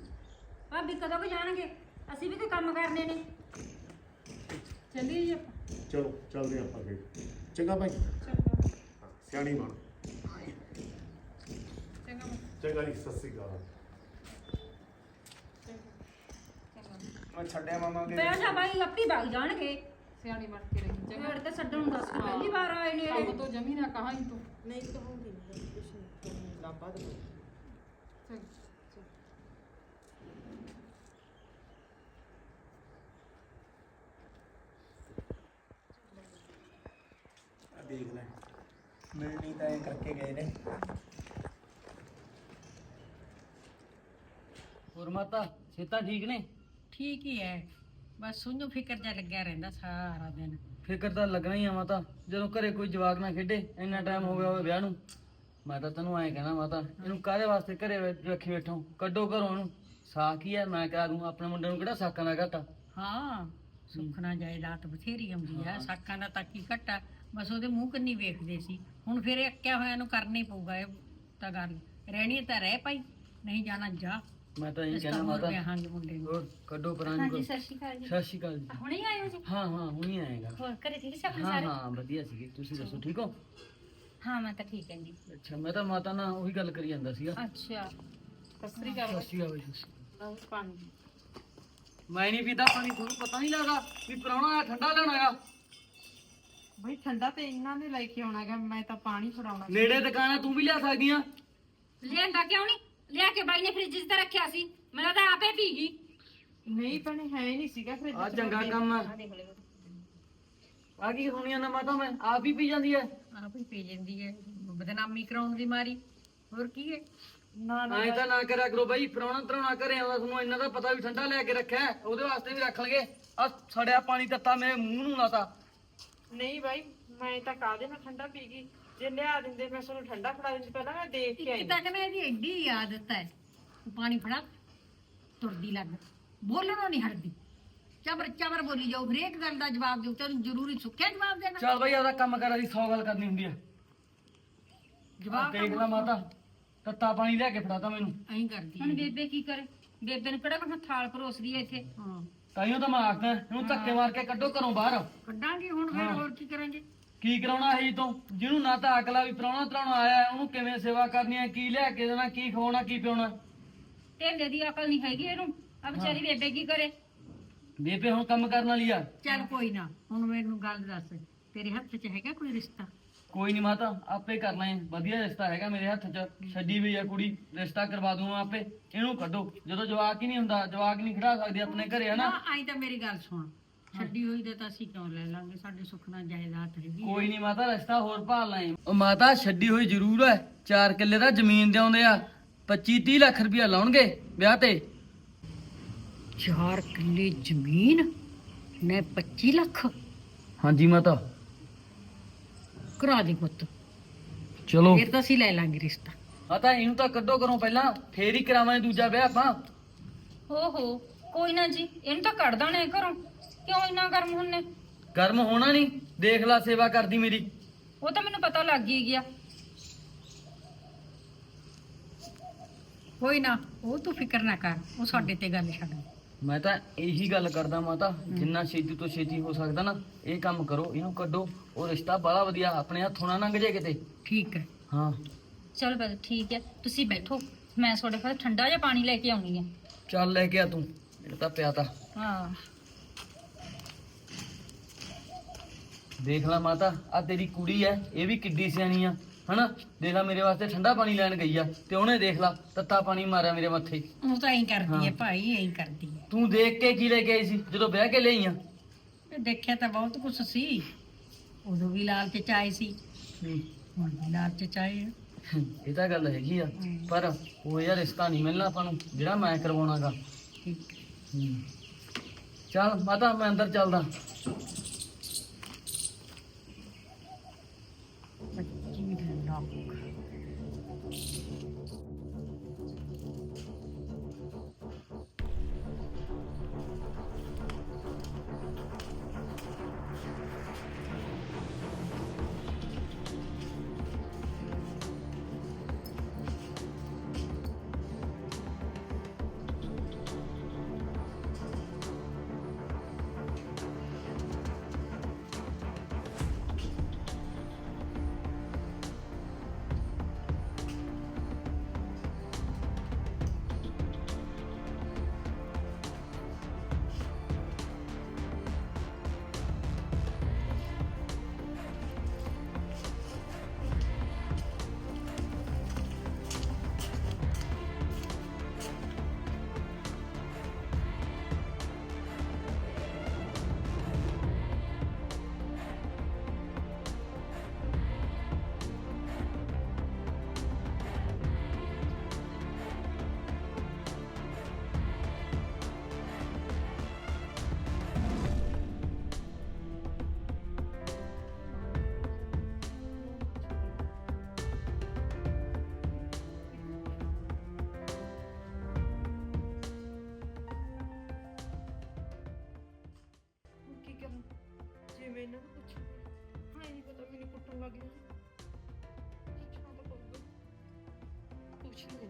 E: ਭਾਬੀ ਕਦੋਂ ਕੁ ਜਾਣਗੇ? ਅਸੀਂ ਵੀ ਕੋਈ ਕੰਮ ਕਰਨੇ ਨੇ।
C: ਚੱਲੀਏ ਜੀ ਆਪਾਂ।
A: ਚਲੋ ਚੱਲਦੇ ਆਪਾਂ ਫਿਰ, ਚੰਗਾ ਭਾਈ।
G: ਚੰਗਾ
A: ਹਾਂ, ਸਿਆਣੀ ਬਣ।
C: ਚੰਗਾ
A: ਚੰਗਾ ਜੀ, ਸਤਿ ਸ੍ਰੀ ਅਕਾਲ।
G: ਚੰਗਾ।
B: ਮੈਂ ਛੱਡਿਆ ਮਾਮਾ ਕੇ
E: ਬੈਠ ਜਾ ਬਾਈ ਆਪੀ ਵਗ ਜਾਣਗੇ
C: ਸਿਆਣੀ ਬਣ ਕੇ ਰਹੀ ਜਗ੍ਹਾ
E: ਫੇਰ ਤੇ ਛੱਡਣ ਨੂੰ ਦੱਸ ਪਹਿਲੀ ਵਾਰ ਆਏ ਨੇ ਇਹ।
C: ਕੰਮ ਤੋਂ ਜਮੀ ਨਾ ਕਹਾਂ ਹੀ ਤੂੰ
G: ਨਹੀਂ ਕਹੂੰਗੀ ਨਹੀਂ ਕੁਛ ਨਹੀਂ ਲਾਭਾ ਦੇ
C: ਚੱਲ
B: ਆ ਦੇਖ ਲੈ ਮਿਲਣੀ ਤਾਂ ਇਹ ਕਰਕੇ ਗਏ ਨੇ।
H: ਹੋਰ ਮਾਤਾ ਸਿਹਤਾਂ ਠੀਕ ਨੇ?
I: ਠੀਕ ਹੀ ਹੈ ਬਸ ਉਹਨੂੰ ਫਿਕਰ ਜਿਹਾ ਲੱਗਿਆ ਰਹਿੰਦਾ ਸਾਰਾ ਦਿਨ।
H: ਫਿਕਰ ਤਾਂ ਲੱਗਣਾ ਹੀ ਆ ਮਾਤਾ, ਜਦੋਂ ਘਰੇ ਕੋਈ ਜਵਾਕ ਨਾ ਖੇਡੇ, ਇੰਨਾ ਟਾਈਮ ਹੋ ਗਿਆ ਹੋਵੇ ਵਿਆਹ ਨੂੰ। ਮੈਂ ਤਾਂ ਤੈਨੂੰ ਐਂ ਕਹਿਣਾ ਮਾਤਾ, ਇਹਨੂੰ ਕਾਹਦੇ ਵਾਸਤੇ ਘਰੇ ਬੈ- ਰੱਖੀ ਬੈਠੋ, ਕੱਢੋ ਘਰੋਂ ਇਹਨੂੰ। ਸਾਖ ਹੀ ਹੈ, ਮੈਂ ਕਹਿ ਦੂੰ ਆਪਣੇ ਮੁੰਡੇ ਨੂੰ ਕਿਹੜਾ ਸਾਕਾਂ ਦਾ ਘਾਟਾ।
I: ਹਾਂ ਸੁਖਣਾ ਜਾਇਦਾਦ ਬਥੇਰੀ ਆਉਂਦੀ ਹੈ, ਸਾਕਾਂ ਦਾ ਤਾਂ ਕੀ ਘਟਾ, ਬਸ ਉਹਦੇ ਮੂੰਹ ਕੰਨੀ ਵੇਖਦੇ ਸੀ। ਹੁਣ ਫਿਰ ਇਹ ਅੱਕਿਆ ਹੋਇਆ ਨੂੰ ਕਰਨਾ ਹੀ ਪਊਗਾ, ਇਹ ਤਾਂ ਗੱਲ ਰਹਿਣੀ ਤਾਂ ਰਹਿ ਪਈ, ਨਹੀਂ ਜਾਣਾ ਜਾ।
H: ਮੈਂ ਤਾਂ ਇਹ
I: ਇਸ
H: ਕਹਿਣਾ
I: ਤਰ੍ਹਾਂ
H: ਮਾਤਾ,
I: ਵਿਆਹਾਂਗੇ ਮੁੰਡੇ ਨੂੰ।
H: ਹੋਰ ਕੱਢੋ ਪਰਾਂ
E: ਹਾਂਜੀ
H: ਨੂੰ।
E: ਸਤਿ ਸ਼੍ਰੀ ਅਕਾਲ ਜੀ
H: ਸਤਿ ਸ਼੍ਰੀ ਅਕਾਲ ਜੀ।
E: ਹੁਣੇ ਆਏ ਹੋ ਜੀ
H: ਹਾਂ ਹਾਂ ਹੁਣੀ ਆਏਗਾ।
E: ਹੋਰ ਘਰੇ ਠੀਕ ਸਭ
H: ਹਾਂ
E: ਸਾਰੇ
H: ਹਾਂ ਵਧੀਆ ਸੀਗੇ, ਤੁਸੀਂ ਦੱਸੋ ਠੀਕ ਹੋ?
E: ਹਾਂ ਮੈਂ ਤਾਂ ਠੀਕ ਹਾਂ ਜੀ
H: ਅੱਛਾ, ਮੈਂ ਤਾਂ ਮਾਤਾ ਨਾਲ ਉਹੀ ਗੱਲ ਕਰੀ ਜਾਂਦਾ ਸੀਗਾ।
E: ਅੱਛਾ
C: ਸਤਿ ਸ੍ਰੀ ਅਕਾਲ
H: ਸਤਿ ਸ਼੍ਰੀ ਅਕਾਲ ਜੀ।
C: ਲਓ ਪਾਣੀ
H: ਮੈਂ ਨਹੀਂ ਪੀਤਾ ਪਾਣੀ, ਤੁਹਾਨੂੰ ਪਤਾ ਨਹੀਂ ਲੱਗਦਾ ਵੀ ਪ੍ਰਾਹੁਣਾ ਆਇਆ ਠੰਡਾ ਲੈਣ ਆਇਆ।
G: ਬਈ ਠੰਡਾ ਤੇ ਇਹਨਾਂ ਨੇ ਲੈ ਕੇ ਆਉਣਾਗਾ, ਮੈਂ ਤਾਂ ਪਾਣੀ ਫੜਾਉਣਾ
H: ਨੇੜੇ ਦੁਕਾਨ ਆ, ਤੂੰ ਵੀ ਲਿਆ ਸਕਦੀ ਆ।
E: ਲਿਆਂਦਾ ਕਿਉਂ ਨਹੀਂ ਲਿਆ ਕੇ ਬਾਈ ਨੇ ਫ੍ਰਿਜ 'ਚ ਤਾਂ ਰੱਖਿਆ ਸੀ, ਮੈਨੂੰ ਤਾਂ ਆਪੇ ਪੀ ਗਈ।
G: ਨਹੀਂ ਭੈਣੇ ਹੈ ਨਹੀਂ ਸੀਗਾ ਫਿਰ
H: ਆ ਚੰਗਾ ਕੰਮ ਆ। ਆ ਕੀ ਸੁਣੀਆਂ ਨਾ ਮਾਤਾ, ਮੈਂ ਆਪ ਹੀ ਪੀ ਜਾਂਦੀ ਐ।
I: ਆਪ ਹੀ ਪੀ ਜਾਂਦੀ ਹੈ ਬਦਨਾਮੀ ਕਰਾਉਣ ਦੀ ਮਾਰੀ, ਹੋਰ ਕੀ ਹੈ।
G: ਨਾ ਨਾ
H: ਐਂ ਤਾਂ ਨਾ ਕਰਿਆ ਕਰੋ ਬਾਈ, ਪ੍ਰਾਹੁਣਾ ਤਰਾਉਣਾ ਘਰੇ ਆਉਂਦਾ, ਤੁਹਾਨੂੰ ਇੰਨਾ ਤਾਂ ਪਤਾ ਵੀ ਠੰਡਾ ਲੈ ਕੇ ਰੱਖਿਆ ਹੈ, ਉਹਦੇ ਵਾਸਤੇ ਵੀ ਰੱਖ ਲਗੇ। ਆ ਸੜਿਆ ਪਾਣੀ ਤੱਤਾ ਮੇਰੇ ਮੂੰਹ ਨੂੰ ਲਾਤਾ।
G: ਨਹੀਂ ਬਾਈ ਮੈਂ ਤਾਂ ਕਾਹਦੇ ਨਾਲ ਠੰਡਾ ਪੀ ਗਈ, ਜੇ ਲਿਆ ਦਿੰਦੇ ਮੈਂ ਤੁਹਾਨੂੰ ਠੰਡਾ ਫੜਾ ਦਿੰਦੀ, ਪਹਿਲਾਂ ਮੈਂ ਦੇਖ ਕੇ ਆਈ।
I: ਇੱਕ ਤਾਂ ਕਹਿੰਦਾ ਇਹਦੀ ਐਡੀ ਆਦਤ ਹੈ, ਤੂੰ ਪਾਣੀ ਫੜਾ ਤੁਰਦੀ ਲੱਗ, ਬੋਲਣੋਂ ਨਹੀਂ ਹਟਦੀ, ਚਬਰ ਚਬਰ ਬੋਲੀ ਜਾਓ, ਹਰੇਕ ਗੱਲ ਦਾ ਜਵਾਬ ਦਿਓ, ਤੈਨੂੰ ਜ਼ਰੂਰੀ ਸੁੱਕਿਆ ਜਵਾਬ ਦੇਣਾ।
H: ਚੱਲ ਬਾਈ ਆਪਦਾ ਕੰਮ ਕਰ, ਅਸੀਂ ਸੌ ਗੱਲ ਕਰਨੀ ਹੁੰਦੀ ਆ। ਜਵਾਬ ਦੇਖ ਲੈ ਮਾਤਾ, ਤੱਤਾ ਪਾਣੀ ਲਿਆ ਕੇ ਫੜਾਤਾ ਮੈਨੂੰ।
I: ਐਂ ਕਰਦੀ
E: ਹੁਣ ਬੇਬੇ ਕੀ ਕਰੇ, ਬੇਬੇ ਨੂੰ ਕਿਹੜਾ ਕੋਈ ਥਾਲ ਪਰੋਸਦੀ ਹੈ ਇੱਥੇ।
I: ਹਾਂ
H: ਤਾਈਓ ਤਾਂ ਮੈਂ ਆਖਦਾ ਇਹਨੂੰ ਧੱਕੇ ਮਾਰ ਕੇ ਕੱਢੋ ਘਰੋਂ ਬਾਹਰ।
I: ਕੱਢਾਂਗੇ ਹੁਣ ਫਿਰ, ਹੋਰ ਕੀ ਕਰਾਂਗੇ।
H: ਕੀ ਕਰਾਉਣਾ ਹੈ ਜੀ ਤੋਂ, ਜਿਹਨੂੰ ਨਾ ਤਾਂ ਅਕਲ ਆ ਵੀ ਪ੍ਰਾਹੁਣਾ ਤਰਾਉਣਾ ਆਇਆ ਹੈ, ਉਹਨੂੰ ਕਿਵੇਂ ਸੇਵਾ ਕਰਨੀ ਹੈ, ਕੀ ਲਿਆ ਕੇ ਦੇਣਾ, ਕੀ ਖਵਾਉਣਾ, ਕੀ ਪਿਉਣਾ।
E: ਢੇਲੇ ਦੀ ਅਕਲ ਨਹੀਂ ਹੈਗੀ ਇਹਨੂੰ, ਆ ਵਿਚਾਰੀ ਬੇਬੇ ਕੀ ਕਰੇ।
H: ਬੇਬੇ ਹੁਣ ਕੰਮ ਕਰਨ ਵਾਲੀ ਆ।
I: ਚੱਲ ਕੋਈ ਨਾ, ਹੁਣ ਮੈਨੂੰ ਗੱਲ ਦੱਸ, ਤੇਰੇ ਹੱਥ 'ਚ ਹੈਗਾ ਕੋਈ ਰਿਸ਼ਤਾ?
H: ਕੋਈ ਨਹੀਂ ਮਾਤਾ, ਆਪੇ ਕਰ ਲੈ, ਵਧੀਆ ਰਿਸ਼ਤਾ ਹੈਗਾ ਮੇਰੇ ਹੱਥ 'ਚ, ਛੱਡੀ ਵੀ ਆ ਕੁੜੀ, ਰਿਸ਼ਤਾ ਕਰਵਾ ਦੂੰਗਾ ਆਪੇ। ਇਹਨੂੰ ਕੱਢੋ, ਜਦੋਂ ਜਵਾਕ ਹੀ ਨਹੀਂ ਹੁੰਦਾ, ਜਵਾਕ ਨਹੀਂ ਖੜਾ ਸਕਦੀ ਆਪਣੇ ਘਰੇ, ਹਨਾ।
I: ਨਾ ਆਈ ਤਾਂ ਮੇਰੀ ਗੱਲ ਸੁਣ, ਛੱਡੀ ਹੋਈ ਦਾ ਤਾਂ ਅਸੀਂ ਕਿਉਂ ਲੈ ਲਾਂਗੇ, ਸਾਡੇ ਸੁਖਨਾ ਜਾਇਦਾਦ ਹੈਗੀ ਹੈ।
H: ਕੋਈ ਨਹੀਂ ਮਾਤਾ, ਰਿਸ਼ਤਾ ਹੋਰ ਭਾਲ ਲੈ। ਉਹ ਮਾਤਾ ਛੱਡੀ ਹੋਈ ਜ਼ਰੂਰ ਹੈ, ਚਾਰ ਕਿੱਲੇ ਦਾ ਜ਼ਮੀਨ ਦੇ ਆਉਂਦੇ ਆ, ਪੱਚੀ ਤੀਹ ਲੱਖ ਰੁਪਇਆ ਲਾਉਣਗੇ ਵਿਆਹ ਤੇ।
I: ਚਾਰ ਕਿੱਲੇ ਜ਼ਮੀਨ ਨੇ ਪੱਚੀ ਲੱਖ
H: ਹਾਂਜੀ ਮਾਤਾ।
I: ਕਰਾ ਦੇ ਪੁੱਤ,
H: ਚਲੋ
I: ਫਿਰ ਤਾਂ ਅਸੀਂ ਲੈ ਲਾਂਗੇ ਰਿਸ਼ਤਾ।
H: ਮਾਤਾ ਇਹਨੂੰ ਤਾਂ ਕੱਢੋ ਘਰੋਂ ਪਹਿਲਾਂ, ਫੇਰ ਹੀ ਕਰਾਵਾਂਗੇ ਦੂਜਾ ਵਿਆਹ ਆਪਾਂ।
E: ਹੋ ਹੋ ਕੋਈ ਨਾ ਜੀ, ਇਹਨੂੰ ਤਾਂ ਕੱਢ ਦਾਣੇ ਘਰੋਂ, ਕਿਉਂ ਇੰਨਾ ਗਰਮ ਹੁੰਨੇ।
H: ਗਰਮ ਹੋਣਾ ਨਹੀਂ, ਦੇਖ ਲੈ ਸੇਵਾ ਕਰਦੀ ਮੇਰੀ।
E: ਉਹ ਤਾਂ ਮੈਨੂੰ ਪਤਾ ਲੱਗ ਹੀ ਗਿਆ।
I: ਕੋਈ ਨਾ, ਉਹ ਤੂੰ ਫਿਕਰ ਨਾ ਕਰ, ਉਹ ਸਾਡੇ ਤੇ ਗੱਲ ਛੱਡ।
H: ਮੈਂ ਤਾਂ ਇਹੀ ਗੱਲ ਕਰਦਾ ਮਾਤਾ, ਜਿੰਨਾ ਛੇਤੀ ਤੋਂ ਛੇਤੀ ਹੋ ਸਕਦਾ ਨਾ ਇਹ ਕੰਮ ਕਰੋ, ਇਹਨੂੰ ਕੱਢੋ। ਉਹ ਰਿਸ਼ਤਾ ਬੜਾ ਵਧੀਆ, ਆਪਣੇ ਹੱਥੋਂ ਨਾ ਲੰਘ ਜੇ ਕਿਤੇ।
I: ਠੀਕ ਹੈ।
H: ਹਾਂ
E: ਚਲ ਬਸ ਠੀਕ ਹੈ, ਤੁਸੀਂ ਬੈਠੋ, ਮੈਂ ਤੁਹਾਡੇ ਕੋਲ ਠੰਡਾ ਜਿਹਾ ਪਾਣੀ ਲੈ ਕੇ ਆਉਣੀ ਹੈ।
H: ਚੱਲ ਲੈ ਕੇ ਆ ਤੂੰ, ਮੇਰੇ ਤਾਂ ਪਿਆ ਤਾ।
E: ਹਾਂ
H: ਦੇਖ ਲੈ ਮਾਤਾ, ਆ ਤੇਰੀ ਕੁੜੀ ਐ, ਇਹ ਵੀ ਕਿੱਡੀ ਸਿਆਣੀ ਆ, ਹਨਾ। ਦੇਖ ਲੈ ਮੇਰੇ ਵਾਸਤੇ ਠੰਡਾ ਪਾਣੀ ਲੈਣ ਗਈ ਆ, ਤੇ ਉਹਨੇ ਦੇਖ ਲਾ ਤੱਤਾ ਪਾਣੀ ਮਾਰਿਆ ਮੇਰੇ ਮੱਥੇ।
I: ਉਹ ਤਾਂ ਐਂ ਕਰਦੀ ਹੈ ਭਾਈ, ਐਂ ਕਰਦੀ ਹੈ।
H: ਤੂੰ ਦੇਖ ਕੇ ਕੀ ਲੈ ਕੇ ਆਈ ਸੀ ਜਦੋਂ ਵਿਆਹ ਕੇ ਲਈ ਆ?
I: ਤੇ ਦੇਖਿਆ ਤਾਂ ਬਹੁਤ ਕੁਛ ਸੀ, ਉਦੋਂ ਵੀ ਲਾਲਚ ਚ ਆਏ ਸੀ, ਹੁਣ ਵੀ ਲਾਲਚ ਚ ਆਏ ਆ।
H: ਇਹ ਤਾਂ ਗੱਲ ਹੈਗੀ ਆ, ਪਰ ਉਹ ਯਾਰ ਰਿਸ਼ਤਾ ਨਹੀਂ ਮਿਲਣਾ ਆਪਾਂ ਨੂੰ ਜਿਹੜਾ ਮੈਂ ਕਰਵਾਉਣਾਗਾ।
I: ਠੀਕ ਹੈ।
H: ਹੂੰ। ਚੱਲ ਮਾਤਾ ਮੈਂ ਅੰਦਰ ਚੱਲਦਾ।
I: ਪੱਚੀ ਲੱਖ
G: ਇਹਨਾਂ ਨੂੰ ਪੁੱਛ ਹਾਂ ਨਹੀਂ ਪਤਾ ਮੈਨੂੰ ਕੁੱਟਣ ਲੱਗ ਗਈ ਪੁੱਛਣਾ ਤਾਂ ਪਊਗਾ ਪੁੱਛ ਲੈ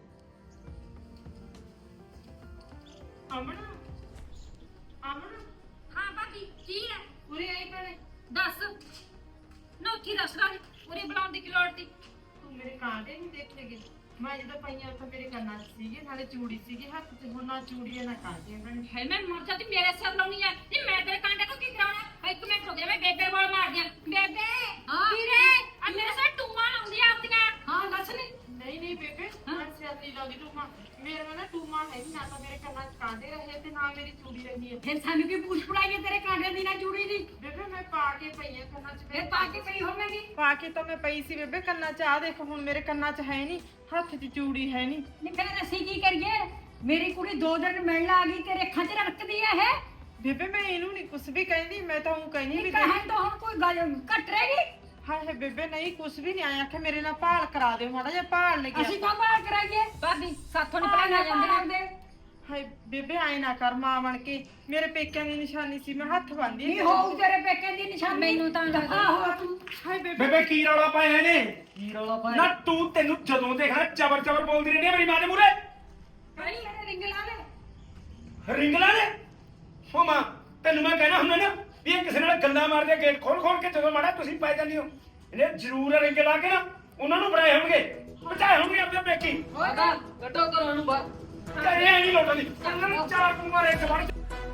G: ਅਮਨ ਅਮਨ
E: ਹਾਂ ਭਾਬੀ ਕੀ ਹੈ
G: ਉਰੇ ਆਈ ਭੈਣੇ
E: ਦੱਸ ਨੋਕੀ ਦੱਸ ਲਾ ਉਰੇ ਬੁਲਾਉਣ ਦੀ ਕੀ ਲੋੜ ਸੀ
G: ਤੂੰ ਮੇਰੇ ਕਾਂਟੇ ਨਹੀਂ ਦੇਖੇਗੀ ਮੈਂ ਜਦੋਂ ਪਈਆਂ ਉੱਥੇ ਮੇਰੇ ਕੰਨਾਂ 'ਚ ਸੀਗੇ ਨਾਲੇ ਚੂੜੀ ਸੀਗੀ ਹੱਥ 'ਚ ਹੁਣ ਨਾ ਚੂੜੀ ਹੈ ਨਾ ਕਾਂਟੇ ਭੈਣੇ
E: ਹੈ ਮੈਂ ਮਰ ਜਾਂਦੀ ਮੇਰੇ ਸਿਰ ਲਾਉਣੀ ਹੈ ਨਹੀਂ ਮੈਂ ਤੇਰੇ ਕਾਂਟੇ ਤੋਂ ਕੀ ਕਰਾਉਣਾ ਇੱਕ ਮਿੰਟ ਹੋ ਗਿਆ ਮੈਂ ਬੇਬੇ ਵਾਲ ਮਾਰ ਦਿਆਂ ਬੇਬੇ ਵੀਰੇ ਆ ਮੇਰੇ ਸਿਰ ਟੂਮਾਂ ਲਾਉਂਦੀਆਂ ਆਪਦੀਆਂ ਹਾਂ ਦੱਸ ਨਹੀਂ
G: ਨਹੀਂ ਨਹੀਂ ਬੇਬੇ ਮੈਂ ਸਿਰ ਨਹੀਂ ਲਾਉਂਦੀ ਟੂਮਾ ਮੇਰੇ ਨਾ ਟੂਮਾ ਹੈ ਨੀ, ਨਾ ਤਾਂ ਮੇਰੇ ਕੰਨਾਂ 'ਚ ਕਾਂਟੇ ਰਹੇ ਤੇ ਨਾ ਮੇਰੀ ਚੂੜੀ ਰਹੀ ਹੈ
I: ਫਿਰ ਸਾਨੂੰ ਕੀ ਪੂਛ ਪੜਾਈਏ ਤੇਰੇ ਕਾਂਡੇ ਦੀ ਨਾ ਜੂੜੀ ਦੀ
G: ਬੇਬੇ ਮੈਂ ਪਾ ਕੇ ਪਈ ਆ ਕੰਨਾਂ 'ਚ
I: ਫਿਰ ਪਾ ਕੇ ਪਈ ਹੋਵੇਂਗੀ
G: ਪਾ ਕੇ ਤਾਂ ਮੈਂ ਪਈ ਸੀ ਬੇਬੇ ਕੰਨਾਂ 'ਚ ਆ ਦੇਖ ਹੁਣ ਮੇਰੇ ਕੰਨਾਂ 'ਚ ਹੈ ਨਹੀਂ ਹੱਥ 'ਚ ਚੂੜੀ ਹੈ ਨਹੀਂ
I: ਨਹੀਂ ਫਿਰ ਅਸੀਂ ਕੀ ਕਰੀਏ ਮੇਰੀ ਕੁੜੀ ਦੋ ਦਿਨ ਮਿਲਣ ਆ ਗਈ ਤੇਰੇ ਅੱਖਾਂ 'ਚ ਰੜਕਦੀ ਆ ਇਹ
G: ਬੇਬੇ ਮੈਂ ਇਹਨੂੰ ਨਹੀਂ ਕੁਝ ਵੀ ਕਹਿੰਦੀ ਮੈਂ ਤਾਂ ਉਹ ਕਹਿੰਦੀ ਵੀ
I: ਕਹੇ ਤਾਂ ਹੁਣ ਕੋਈ ਗੱਲ ਘਟ ਰਹੇਗੀ
G: ਹਾਏ ਬੇਬੇ ਨਹੀਂ ਕੁਝ ਵੀ ਨਹੀਂ ਆਇਆ ਕਿ ਮੇਰੇ ਨਾਲ ਭਾਲ ਕਰਾ ਦਿਓ ਮਾੜਾ ਜਿਹਾ ਭਾਲ ਲੱਗਿਆ
I: ਅਸੀਂ ਤਾਂ ਬਾਹਰ ਕਰਾਈਏ ਭਾਬੀ ਸਾਥੋਂ ਨਹੀਂ ਪੜਾਈਆਂ ਜਾਂਦੀਆਂ
G: ਹਾਏ ਬੇਬੇ ਆਏ ਨਾ ਕਰ ਮਾਂ ਬਣ ਕੇ ਮੇਰੇ ਪੇਕਿਆਂ ਦੀ ਨਿਸ਼ਾਨੀ ਸੀ ਮੈਂ ਹੱਥ ਬੰਨ੍ਹਦੀ
I: ਨਹੀਂ ਹੋਊ ਤੇਰੇ ਪੇਕੇ ਦੀ ਨਿਸ਼ਾਨੀ ਮੈਨੂੰ ਤਾਂ ਲੱਗਦਾ ਆਹੋ ਤੂੰ
G: ਹਾਏ ਬੇਬੇ
D: ਬੇਬੇ ਕੀ ਰੌਲਾ ਪਾਇਆ ਇਹਨੇ
H: ਕੀ ਰੌਲਾ ਪਾਇਆ
D: ਨਾ ਤੂੰ ਤੈਨੂੰ ਜਦੋਂ ਦੇਖਣਾ ਚਬਰ ਚਬਰ ਬੋਲਦੀ ਰਹਿੰਦੀ ਆ ਮੇਰੀ ਮਾਂ ਦੇ ਮੂਹਰੇ
I: ਕਹੀ ਇਹਨੇ ਰਿੰਗ ਲਾ ਲੈ
D: ਰਿੰਗਲਾ ਨੇ ਹੋ ਮਾਂ ਤੈਨੂੰ ਮੈਂ ਕਹਿਣਾ ਹੁੰਦਾ ਨਾ ਵੀ ਇਹ ਕਿਸੇ ਨਾਲ ਗੱਲਾਂ ਮਾਰਦੇ ਗੇਟ ਖੋਲ ਖੋਲ ਕੇ ਜਦੋਂ ਮਾੜਾ ਤੁਸੀਂ ਪੈ ਜਾਂਦੀ ਹੋ ਇਹਨੇ ਜ਼ਰੂਰ ਰਿੰਗ ਲਾ ਕੇ ਨਾ ਉਹਨਾਂ ਨੂੰ ਬਣਾਏ ਹੋਣਗੇ ਬਚਾਏ ਹੋਣਗੇ ਆਪਣੇ ਪੇਕੀ
H: ਮਾਤਾ ਕੱਢੋ ਘਰੋਂ ਨੂੰ ਬਾਹਰ
D: ਕਹੇ ਨਹੀਂ ਲੋਟਾਂ ਦੀ ਉਹਨਾਂ ਨੂੰ ਚਾਰ ਕੁਮਾਰੇ ਇੱਕ ਵੜ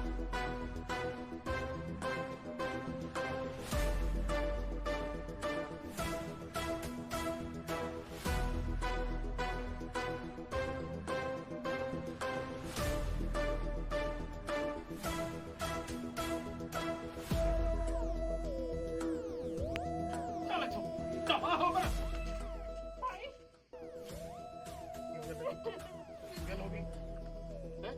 D: ਚੱਲ ਇੱਥੋਂ ਦਫਾ ਹੋ ਗਿਆ
A: ਗੱਲ ਹੋ ਗਈ ਹੈਂ?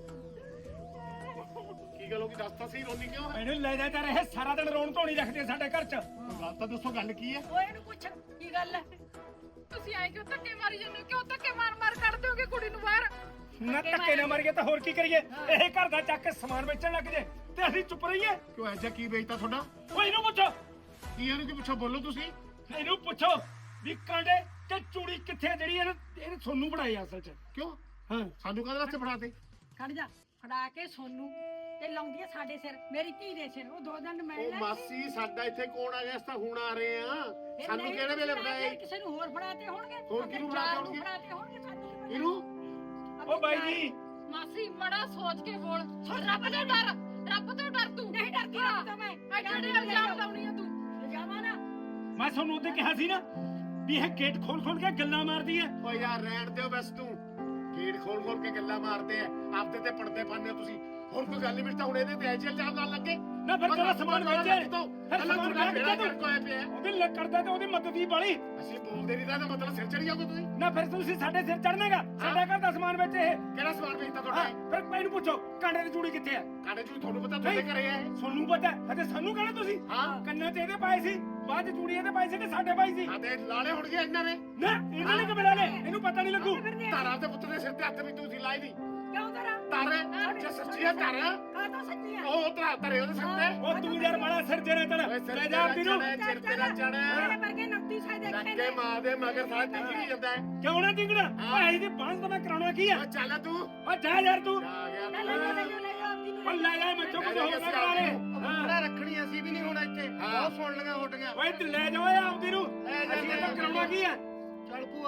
A: ਕੀ ਗੱਲ ਹੋ ਗਈ ਦੱਸ ਤਾਂ ਸਹੀ ਰੋਂਦੀ ਕਿਉਂ ਹੈ
D: ਮੈਨੂੰ ਲੈ ਜਾ ਤਾਂ ਰਹੇ ਸਾਰਾ ਦਿਨ ਰੋਣ ਧੋਣੀ ਰੱਖਦੇ ਸਾਡੇ ਘਰ 'ਚ
A: ਗੱਲ ਤਾਂ ਦੱਸੋ ਗੱਲ ਕੀ ਹੈ
I: ਓਏ ਇਹਨੂੰ ਪੁੱਛ ਕੀ ਗੱਲ ਹੈ
C: ਤੁਸੀਂ ਆਏ ਕਿਉਂ ਧੱਕੇ ਮਾਰੀ ਜਾਂਦੇ ਹੋ ਕਿਉਂ ਧੱਕੇ ਮਾਰ ਮਾਰ ਕੱਢ ਦਿਓਗੇ ਕੁੜੀ ਨੂੰ ਬਾਹਰ
D: ਨਾ ਧੱਕੇ ਨਾ ਮਾਰੀਏ ਤਾਂ ਹੋਰ ਕੀ ਕਰੀਏ ਇਹ ਘਰ ਦਾ ਚੱਕ ਕੇ ਸਮਾਨ ਵੇਚਣ ਲੱਗ ਜੇ ਤੇ ਅਸੀਂ ਚੁੱਪ ਰਹੀਏ
A: ਕਿਉਂ ਐਜਾ ਕੀ ਵੇਚਤਾ ਤੁਹਾਡਾ
D: ਓਏ ਇਹਨੂੰ ਪੁੱਛੋ
A: ਕੀ ਇਹਨੂੰ ਕੀ ਪੁੱਛੋ ਬੋਲੋ ਤੁਸੀਂ
D: ਇਹਨੂੰ ਪੁੱਛੋ ਵੀ ਕਾਂਡੇ ਤੇ ਚੂੜੀ ਕਿੱਥੇ ਆ ਜਿਹੜੀ ਇਹਨੇ ਇਹਨੇ ਤੁਹਾਨੂੰ ਬਣਾਈ ਅਸਲ 'ਚ
A: ਕਿਉਂ
D: ਹਾਂ
A: ਸਾਨੂੰ ਕਾਹਦੇ ਵਾਸਤੇ ਫੜਾਤੇ
I: ਖੜ ਜਾ ਫੜਾ ਕੇ ਸੋਨੂੰ ਤੇ ਲਾਉਂਦੀ ਆ ਸਾਡੇ ਸਿਰ ਮੇਰੀ ਧੀ ਦੇ ਸਿਰ ਉਹ ਦੋ ਦਿਨ ਮਿਲ
A: ਉਹ
I: ਲੈ
A: ਮਾਸੀ ਸਾਡਾ ਇੱਥੇ ਕੌਣ ਆ ਗਿਆ ਅਸੀਂ ਤਾਂ ਹੁਣ ਆ ਰਹੇ ਆ
I: ਫਿਰ
A: ਸਾਨੂੰ
I: ਨਹੀਂ
A: ਕਿਹੜੇ ਵੇਲੇ
I: ਫੜਾ
A: ਫੜਾਏ
I: ਕੇ ਕਿਸੇ ਨੂੰ ਹੋਰ ਫੜਾਤੇ ਹੋਣਗੇ
A: ਹੋਰ ਕਿਹਨੂੰ ਫੜਾਤੇ ਹੋਣਗੇ?
I: ਫੜਾਤੇ ਹੋਣਗੇ ਸਾਨੂੰ ਕੀ ਪਤਾ।
A: ਇਹਨੂੰ
D: ਉਹ ਬਾਈ ਜੀ
C: ਮਾਸੀ ਮੜਾ ਸੋਚ ਕੇ ਬੋਲ ਰੱਬ ਤੋਂ ਡਰ ਰੱਬ ਤੋਂ ਡਰ ਤੂੰ
I: ਨਹੀਂ ਡਰਦੀ ਰੱਬ ਤੋਂ ਮੈਂ
C: ਐਡੇ ਇਲਜ਼ਾਮ ਲਾਉਣੀ ਆ ਤੂੰ
I: ਜਾਵਾਂ ਨਾ
D: ਮੈਂ ਤੁਹਾਨੂੰ ਉਹਦੇ ਕਿਹਾ ਸੀ ਨਾ ਵੀ ਇਹ ਗੇਟ ਖੋਲ ਖੋਲ ਕੇ ਗੱਲਾਂ ਮਾਰਦੀ ਐ
A: ਓ ਯਾਰ ਰਹਿਣ ਦਿਓ ਬਸ ਤੂੰ ਗੇਟ ਖੋਲ ਖੋਲ ਕੇ ਗੱਲਾਂ ਮਾਰਦੇ ਆ ਆਪਦੇ ਤੇ ਪੜਦੇ ਪਾਉਂਦੇ ਹੋ ਤੁਸੀਂ ਹੋਰ ਕੋਈ ਗੱਲ ਨਹੀਂ ਮਿਲਦਾ ਹੁਣ ਇਹਦੇ ਤੇ ਐਜੇ ਇਲਜ਼ਾਮ ਲਾਉਣ ਲੱਗੇ
D: ਨਾ ਫਿਰ ਤੇਰਾ ਸਮਾਨ ਵੇਚੇ ਫਿਰ
A: ਅੱਲਾ
D: ਸਮਾਨ
A: ਤੁਹਾਡਾ
D: ਵੇਚ
A: ਬੇੜਾ
D: ਤੂੰ
A: ਗਰਕ ਹੋਇਆ ਪਿਆ ਹੈ।
D: ਉਹਦੀ ਲੱਕ ਕਰਦਾ ਤੇ ਉਹਦੀ ਮਦਦ ਦੀ ਬਾਲੀ
A: ਅਸੀਂ ਬੋਲਦੇ ਨਹੀਂ ਤਾਂ ਇਹਦਾ ਮਤਲਬ ਸਿਰ ਚੜੀ ਜਾਓਗੇ ਤੁਸੀਂ
D: ਨਾ ਫਿਰ ਤੁਸੀਂ ਸਾਡੇ ਸਿਰ ਚੜਨੇਗਾ ਸਾਡਾ ਘਰ ਦਾ ਸਮਾਨ ਵੇਚੇ ਇਹ
A: ਕਿਹੜਾ ਸਵਾਲ ਵੇਚਦਾ
D: ਹਾਂ,
A: ਤੁਹਾਡਾ ਇਹ?
D: ਫਿਰ ਮੈਨੂੰ ਪੁੱਛੋ ਕਾਂਡੇ ਦੀ ਚੂੜੀ ਕਿੱਥੇ ਆ
A: ਕਾਂਡੇ ਚੂੜੀ ਤੁਹਾਨੂੰ ਪਤਾ ਤੁਹਾਡੇ ਘਰੇ ਹੈ ਇਹ?
D: ਤੁਹਾਨੂੰ ਪਤਾ ਹਜੇ ਸਾਨੂੰ ਕਹਿਣਾ ਤੁਸੀਂ
A: ਹਾਂ
D: ਕੰਨਾਂ 'ਚ ਇਹਦੇ ਪਾਏ ਸੀ ਬਾਅਦ 'ਚ ਚੂੜੀ ਇਹਦੇ ਪਾਏ ਸੀ ਕਿ ਸਾਡੇ ਪਾਈ ਸੀ
A: ਆ ਤੇ ਲਾਲੇ ਹੋਣਗੇ ਇਹਨਾਂ ਨੇ
D: ਨਾ ਇਹਨਾਂ ਨੇ ਕਿਵੇਂ ਲਾਲੇ ਇਹਨੂੰ ਪਤਾ ਨਹੀਂ ਲੱਗੂ
A: ਤਾਰਾ ਦੇ ਪੁੱਤ ਦੇ ਸਿਰ ਤੇ ਹੱਥ ਵੀ ਤੁਸੀਂ ਲਾਈ ਨਹੀਂ
I: ਕਿਉਂ ਤੇਰਾ
A: ਤਾਰੇ ਜੇ ਸੱਚੀ ਹੈ ਤਾਰਾ
I: ਕਾ ਤਾਂ ਸੱਚੀ ਆ
A: ਉਹ ਤਰਾ ਤਰੇ ਉਹਦੇ ਸਿਰ ਤੇ
D: ਉਹ ਤੂੰ ਯਾਰ ਬੜਾ ਸਿਰ ਜਰੇ ਤੇਰਾ
A: ਓਏ ਸਿਰ
D: ਲੈ
A: ਤੇ
D: ਜਾ ਆਪਦੀ ਨੂੰ
A: ਚੜ੍ਹੇ, ਸਿਰ ਤੇਰਾ
I: ਮੇਰੇ
A: ਚੜਿਆ
I: ਵਰਗੇ ਨੱਤੀ ਸਾਈ ਦੇਖੇ
A: ਲੱਗੇ
I: ਨੇ
A: ਮਾਂ ਦੇ ਮਗਰ ਸਾਰਾ ਟਿਕਰੀ ਜਾਂਦਾ ਹੈ
D: ਕਿਉਂ ਨਾ ਟਿੰਗੜਾ ਓਏ ਇਹਦੀ ਬਾਂਸ ਤਾਂ ਮੈਂ ਕਰਾਉਣਾ ਕੀ ਆ
A: ਓ ਚੱਲ ਤੂੰ
D: ਓ ਜਾ ਯਾਰ ਤੂੰ
A: ਆ ਗਿਆ
I: ਲੈ ਲੈ ਲੈ ਲੈ ਲੈ ਆਪਦੀ ਨੂੰ
D: ਓ ਲੈ ਜਾ ਮੈਂ ਚੁੱਪ ਹੋ ਨਾ ਕਰਾ ਲੈ
B: ਬੜਾ ਰੱਖਣੀ ਅਸੀਂ ਵੀ ਨਹੀਂ ਹੋਣਾ ਇੱਥੇ
A: ਹਾਂ।
B: ਬਹੁਤ ਸੁਣ ਲਈਆਂ ਹੋਟੀਆਂ
D: ਓਏ ਤੇ ਲੈ ਜਾ ਓਏ ਆਪਦੀ ਨੂੰ ਅਸੀਂ ਤਾਂ ਕਰਾਉਣਾ ਕੀ ਆ
B: ਚੱਲ ਭੂਆ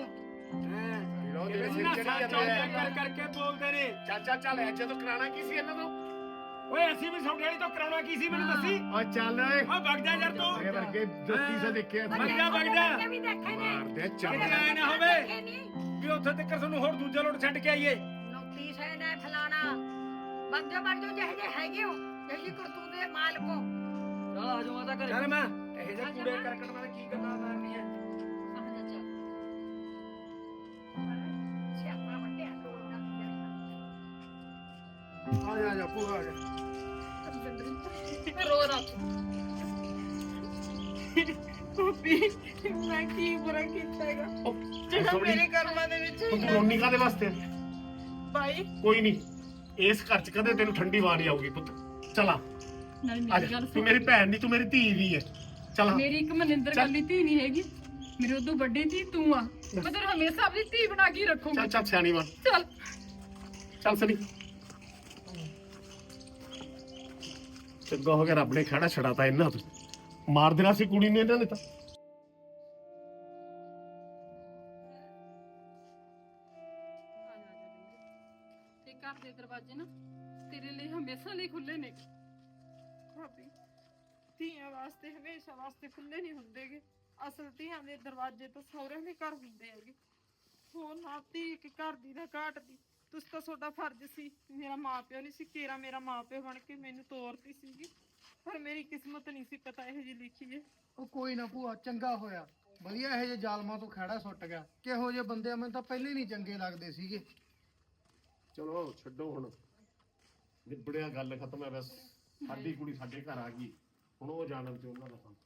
A: ਲੋ ਦੇ ਸਿਰ
D: ਇਹਨਾਂ
A: ਚੜੀ
D: ਸਾਹ
A: ਜਾਂਦੇ
D: ਚੌਂਕ ਕਰ
A: ਆ
D: ਕਰਕੇ ਬੋਲਦੇ ਨੇ
A: ਚਾਚਾ ਚੱਲ ਐ ਜਦੋਂ ਕਰਾਣਾ ਕੀ ਸੀ ਇਹਨਾਂ ਤੋਂ
D: ਓਏ ਅਸੀਂ ਵੀ ਤੁਹਾਡੇ ਵਾਲੀ ਤੋਂ ਕਰਾਉਣਾ ਕੀ ਸੀ ਮੈਨੂੰ ਦੱਸੀ
A: ਓ ਚੱਲ ਓਏ
D: ਓ ਵਗ ਜਾ ਯਾਰ ਤੂੰ
A: ਇਹ ਵਰਗੇ ਜੋਤੀ ਸੇ ਦੇਖਿਆ
D: ਵਗ ਜਾ ਵਗ ਜਾ
I: ਇਹ ਵੀ ਦੇਖੇ ਨੇ
A: ਮਾਰਦੇ ਚੱਲ
D: ਕਿਤੇ ਐ ਨਾ ਹੋਵੇ
I: ਦੇਖੇ ਨਹੀਂ
D: ਵੀ ਉੱਥੇ ਤੱਕ ਤੁਹਾਨੂੰ ਹੋਰ ਦੂਜਾ ਲੋਟ ਛੱਡ ਕੇ ਆਈਏ
I: ਨੌਕਰੀ ਸੇ ਨੇ ਫਲਾਣਾ ਬੰਦੇ ਬੰਦੇ ਜਿਹੇ ਜਿਹੇ ਹੈਗੇ ਹੋ ਜਿਹੀ ਕਰਤੂਤ ਦੇ ਮਾਲਕ ਹੋ
H: ਚਲ ਆ ਜਾਓ ਮਾਤਾ ਘਰੇ
D: ਯਾਰ ਮੈਂ ਇਹ ਜਿਹੇ ਕੂੜੇ ਕਰਕਟ ਨਾਲ ਕੀ ਗੱਲਾਂ ਮਾਰਨੀਆਂ
I: ਸਿਆਪਾ ਵੱਡਿਆ ਤੋੜਨਾ
B: ਆ ਜਾ ਆ ਜਾ ਭੂਆ ਆ ਜਾ
C: ਰੋ ਰੱਖ
G: ਮੈਂ ਕੀ ਬੁਰਾ ਕੀਤਾ ਹੈਗਾ ਜਿਹੜਾ
A: ਥੋੜ੍ਹੀ-
G: ਮੇਰੇ ਕਰਮਾਂ ਦੇ ਵਿੱਚ
A: ਤੂੰ ਰੋਣੀ ਕਾਦੇ ਵਾਸਤੇ
G: ਭਾਈ
A: ਕੋਈ ਨਹੀਂ ਇਸ ਘਰ ਚ ਕਦੇ ਤੈਨੂੰ ਠੰਡੀ ਵਾਰ ਨਹੀਂ ਆਊਗੀ ਪੁੱਤ ਚਲਾ
C: ਨਹੀਂ
A: ਆ ਜਾ ਤੂੰ ਮੇਰੀ ਭੈਣ ਨਹੀਂ ਤੂੰ ਮੇਰੀ ਧੀ ਵੀ ਹੈ ਚੱਲ
C: ਮੇਰੀ ਇੱਕ ਮਨਿੰਦਰ ਕੱਲੀ ਧੀ ਨਹੀਂ ਹੈਗੀ, ਮੇਰੇ ਉਦੋਂ ਵੱਡੀ ਧੀ ਤੂੰ ਆ। ਮੈਂ ਤੈਨੂੰ ਹਮੇਸ਼ਾ ਆਪਣੀ ਧੀ ਬਣਾ ਕੇ ਹੀ ਰੱਖੂੰਗੀ।
A: ਚੱਲ ਚੱਲ ਸਿਆਣੀ ਬਣ,
C: ਚੱਲ
A: ਚੱਲ ਸਨੀ। ਚੰਗਾ ਹੋ ਗਿਆ ਰੱਬ ਨੇ ਖੜਾ ਛੜਾਤਾ ਇਹਨਾਂ ਤੋਂ, ਮਾਰ ਦੇਣਾ ਸੀ ਕੁੜੀ ਨੇ ਇਹਨਾਂ ਨੇ ਤਾਂ।
C: ਤੇ ਘਰ ਦੇ ਦਰਵਾਜ਼ੇ ਨਾ ਤੇਰੇ ਲਈ ਹਮੇਸ਼ਾ ਲਈ ਖੁੱਲੇ ਨੇ।
G: ਭਾਬੀ ਧੀਆਂ ਵਾਸਤੇ ਹਮੇਸ਼ਾ ਵਾਸਤੇ ਖੁੱਲੇ ਨਹੀਂ ਹੁੰਦੇਗੇ। ਅਸਲ ਧੀਆਂ ਦੇ ਦਰਵਾਜ਼ੇ ਤਾਂ ਸਹੁਰਿਆਂ ਦੇ ਘਰ ਹੁੰਦੇ ਹੈਗੇ। ਹੋਰ ਨਾ ਧੀ ਇੱਕ ਘਰ ਦੀ ਨਾ ਘਾਟਦੀ। ਤੁਸੀਂ ਤਾਂ ਤੁਹਾਡਾ ਫਰਜ਼ ਸੀ, ਮੇਰਾ ਮਾਂ ਪਿਓ ਨਹੀਂ ਸੀ, ਕੇਰਾ ਮੇਰਾ ਮਾਂ ਪਿਓ ਬਣ ਕੇ ਮੈਨੂੰ ਤੋਰਤੀ ਸੀਗੀ, ਪਰ ਮੇਰੀ ਕਿਸਮਤ ਨਹੀਂ ਸੀ ਪਤਾ ਇਹੋ ਜਿਹੀ ਲਿਖੀ ਹੈ।
B: ਉਹ ਕੋਈ ਨਾ ਭੂਆ, ਚੰਗਾ ਹੋਇਆ ਵਧੀਆ ਇਹੋ ਜਿਹੇ ਜ਼ਾਲਮਾਂ ਤੋਂ ਖਹਿੜਾ ਸੁੱਟ ਗਿਆ। ਕਿਹੋ ਜਿਹੇ ਬੰਦੇ ਮੈਨੂੰ ਤਾਂ ਪਹਿਲੇ ਨਹੀਂ ਚੰਗੇ ਲੱਗਦੇ ਸੀਗੇ।
A: ਚਲੋ ਛੱਡੋ ਹੁਣ, ਨਿਬੜਿਆ, ਗੱਲ ਖਤਮ ਹੈ ਬਸ। ਸਾਡੀ ਕੁੜੀ ਸਾਡੇ ਘਰ ਆ ਗਈ, ਹੁਣ ਉਹ ਜਾਣਨ ਤੇ ਉਹਨਾਂ ਦਾ ਕੰਮ।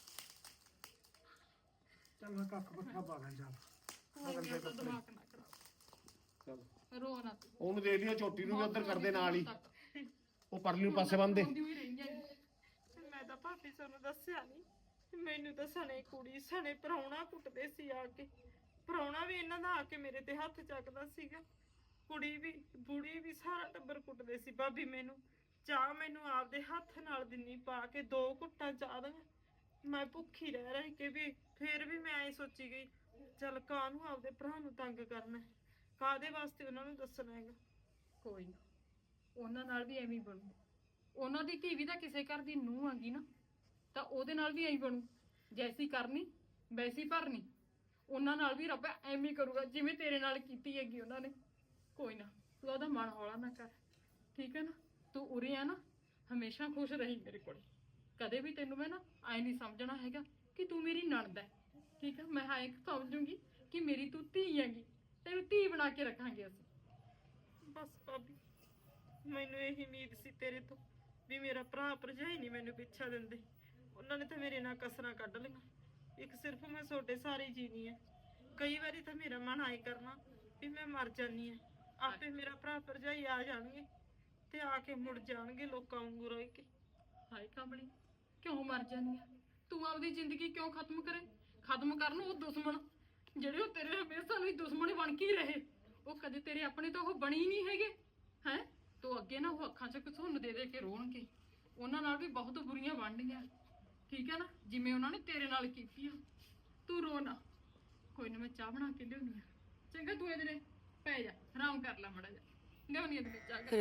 B: ਚੱਲ ਮੈਂ ਕੱਖ ਬੱਠਾ ਪਾ ਲਾਂ ਚੱਲ।
C: ਦਿਮਾਗ ਨਾ ਖਰਾਬ
A: ਚੱਲ
C: ਰੋ ਨਾ ਤੂੰ।
A: ਉਹਨੂੰ ਦੇ ਦਿਓ, ਝੋਟੀ ਨੂੰ ਵੀ ਉੱਧਰ ਕਰਦੇ ਨਾਲ ਹੀ, ਉਹ ਪਰਲੀ ਪਾਸੇ ਬੰਦੇ।
C: ਰੋਂਦੀ ਹੋਈ ਰਹੀ ਹੈ।
G: ਮੈਂ ਤਾਂ ਭਾਬੀ ਤੁਹਾਨੂੰ ਦੱਸਿਆ ਨਹੀਂ, ਮੈਨੂੰ ਤਾਂ ਸਣੇ ਕੁੜੀ ਸਣੇ ਪ੍ਰਾਹੁਣਾ ਕੁੱਟਦੇ ਸੀ ਆ ਕੇ। ਪ੍ਰਾਹੁਣਾ ਵੀ ਇਹਨਾਂ ਦਾ ਆ ਕੇ ਮੇਰੇ ਤੇ ਹੱਥ ਚੱਕਦਾ ਸੀਗਾ, ਕੁੜੀ ਵੀ ਬੁੜੀ ਵੀ ਸਾਰਾ ਟੱਬਰ ਕੁੱਟਦੇ ਸੀ। ਭਾਬੀ ਮੈਨੂੰ ਚਾਹ ਮੈਨੂੰ ਆਪਦੇ ਹੱਥ ਨਾਲ ਦਿੰਨੀ ਪਾ ਕੇ, ਦੋ ਘੁੱਟਾਂ ਚਾਹ ਦੀਆਂ। ਮੈਂ ਭੁੱਖੀ ਰਹਿ ਰਹੀ ਕਿ ਵੀ ਫਿਰ ਵੀ ਮੈਂ ਐ ਸੋਚੀ ਗਈ, ਚੱਲ ਕਾਹਨੂੰ ਆਪਦੇ ਭਰਾ ਨੂੰ ਤੰਗ ਕਰਨਾ, ਕਾਹਦੇ ਵਾਸਤੇ ਉਹਨਾਂ ਨੂੰ ਦੱਸਣਾ ਹੈਗਾ।
C: ਕੋਈ ਨਾ, ਉਹਨਾਂ ਨਾਲ ਵੀ ਐਵੇਂ ਹੀ ਬਣੂ। ਉਹਨਾਂ ਦੀ ਧੀ ਵੀ ਤਾਂ ਕਿਸੇ ਘਰ ਦੀ ਨੂੰਹ ਆਂਗੀ ਨਾ, ਤਾਂ ਉਹਦੇ ਨਾਲ ਵੀ ਐਂ ਬਣੂ। ਜੈਸੀ ਕਰਨੀ ਵੈਸੀ ਭਰਨੀ। ਉਹਨਾਂ ਨਾਲ ਵੀ ਰੱਬ ਐਵੇਂ ਹੀ ਕਰੂਗਾ ਜਿਵੇਂ ਤੇਰੇ ਨਾਲ ਕੀਤੀ ਹੈਗੀ ਉਹਨਾਂ ਨੇ। ਕੋਈ ਨਾ, ਤੂੰ ਉਹਦਾ ਮਨ ਹੌਲਾ ਨਾ ਕਰ, ਠੀਕ ਹੈ ਨਾ। ਤੂੰ ਉਰੇ ਆ ਨਾ, ਹਮੇਸ਼ਾ ਖੁਸ਼ ਰਹੀ ਮੇਰੇ ਕੋਲ। ਕਦੇ ਵੀ ਤੈਨੂੰ ਮੈਂ ਨਾ ਐ ਨਹੀਂ ਸਮਝਣਾ ਹੈਗਾ ਕਿ ਤੂੰ ਮੇਰੀ ਨਣਦ ਹੈ, ਠੀਕ ਹੈ। ਮੈਂ ਐਂ ਸਮਝੂਗੀ ਕਿ ਮੇਰੀ ਤੂੰ ਧੀ ਹੈਗੀ, ਤੈਨੂੰ ਧੀ ਬਣਾ ਕੇ ਰੱਖਾਂਗੇ ਅਸੀਂ।
G: ਬਸ ਭਾਬੀ, ਮੈਨੂੰ ਇਹੀ ਉਮੀਦ ਸੀ ਤੇਰੇ ਤੋਂ ਵੀ ਮੇਰਾ ਭਰਾ ਭਰਜਾਈ ਨਹੀਂ ਮੈਨੂੰ ਪਿੱਛਾ ਦਿੰਦੇ। ਉਹਨਾਂ ਨੇ ਤਾਂ ਮੇਰੇ ਨਾਲ ਕਸਰਾਂ ਕੱਢ ਲਈਆਂ। ਇੱਕ ਸਿਰਫ ਮੈਂ ਤੁਹਾਡੇ ਸਾਰੇ ਜੀਣੀ ਹੈ। ਕਈ ਵਾਰੀ ਤਾਂ ਮੇਰਾ ਮਨ ਆਏ ਕਰਨਾ ਵੀ ਮੈਂ ਮਰ ਜਾਨੀ ਆ, ਆਪੇ ਮੇਰਾ ਭਰਾ ਭਰਜਾਈ ਆ ਜਾਣਗੇ ਤੇ ਆ ਕੇ ਮੁੜ ਜਾਣਗੇ ਲੋਕਾਂ ਵਾਂਗੂ ਰਹਿ ਕੇ।
C: ਹਾਏ ਕਮਲੀ, ਕਿਉਂ ਮਰ ਜਾਨੀ ਆ ਤੂੰ? ਆਪਦੀ ਜ਼ਿੰਦਗੀ ਕਿਉਂ ਖਤਮ ਕਰੇ? ਖਤਮ ਕਰਨ ਉਹ ਦੁਸ਼ਮਣ ਜਿਹੜੇ ਉਹ ਤੇਰੇ ਹਮੇਸ਼ਾ ਲਈ ਦੁਸ਼ਮਣ ਬਣ ਕੇ ਹੀ ਰਹੇ। ਉਹ ਕਦੇ ਤੇਰੇ ਆਪਣੇ ਤਾਂ ਉਹ ਬਣੀ ਨਹੀਂ ਹੈਗੇ ਹੈ। ਤੂੰ ਅੱਗੇ ਨਾ ਉਹ ਅੱਖਾਂ 'ਚ ਘਸੁੰਨ ਦੇ ਦੇ ਕੇ ਰੋਣਗੇ। ਉਹਨਾਂ ਨਾਲ ਵੀ ਬਹੁਤ ਬੁਰੀਆਂ ਬਣਨੀਆਂ, ਠੀਕ ਹੈ ਨਾ, ਜਿਵੇਂ ਉਹਨਾਂ ਨੇ ਤੇਰੇ ਨਾਲ ਕੀਤੀ ਆ। ਤੂੰ ਰੋ ਨਾ, ਕੋਈ ਨਾ, ਮੈਂ ਚਾਹ ਬਣਾ ਕੇ ਲਿਆਉਣੀ ਆ। ਚੰਗਾ, ਤੂੰ ਇਹਦੇ ਨੇ ਪੈ ਜਾ, ਆਰਾਮ ਕਰ ਲੈ ਮੜਾ ਜਾ। ਲਿਆਉਣੀ ਇਹਦੇ ਵਿੱਚ ਚਾਹ ਕਰ।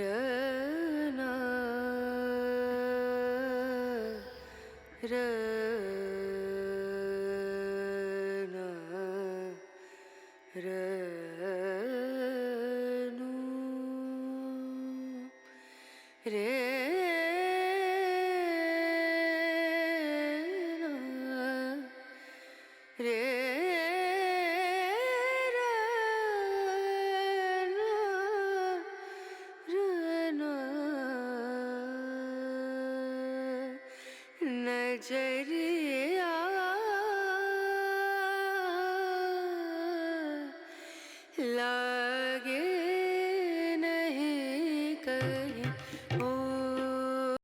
J: नजरिया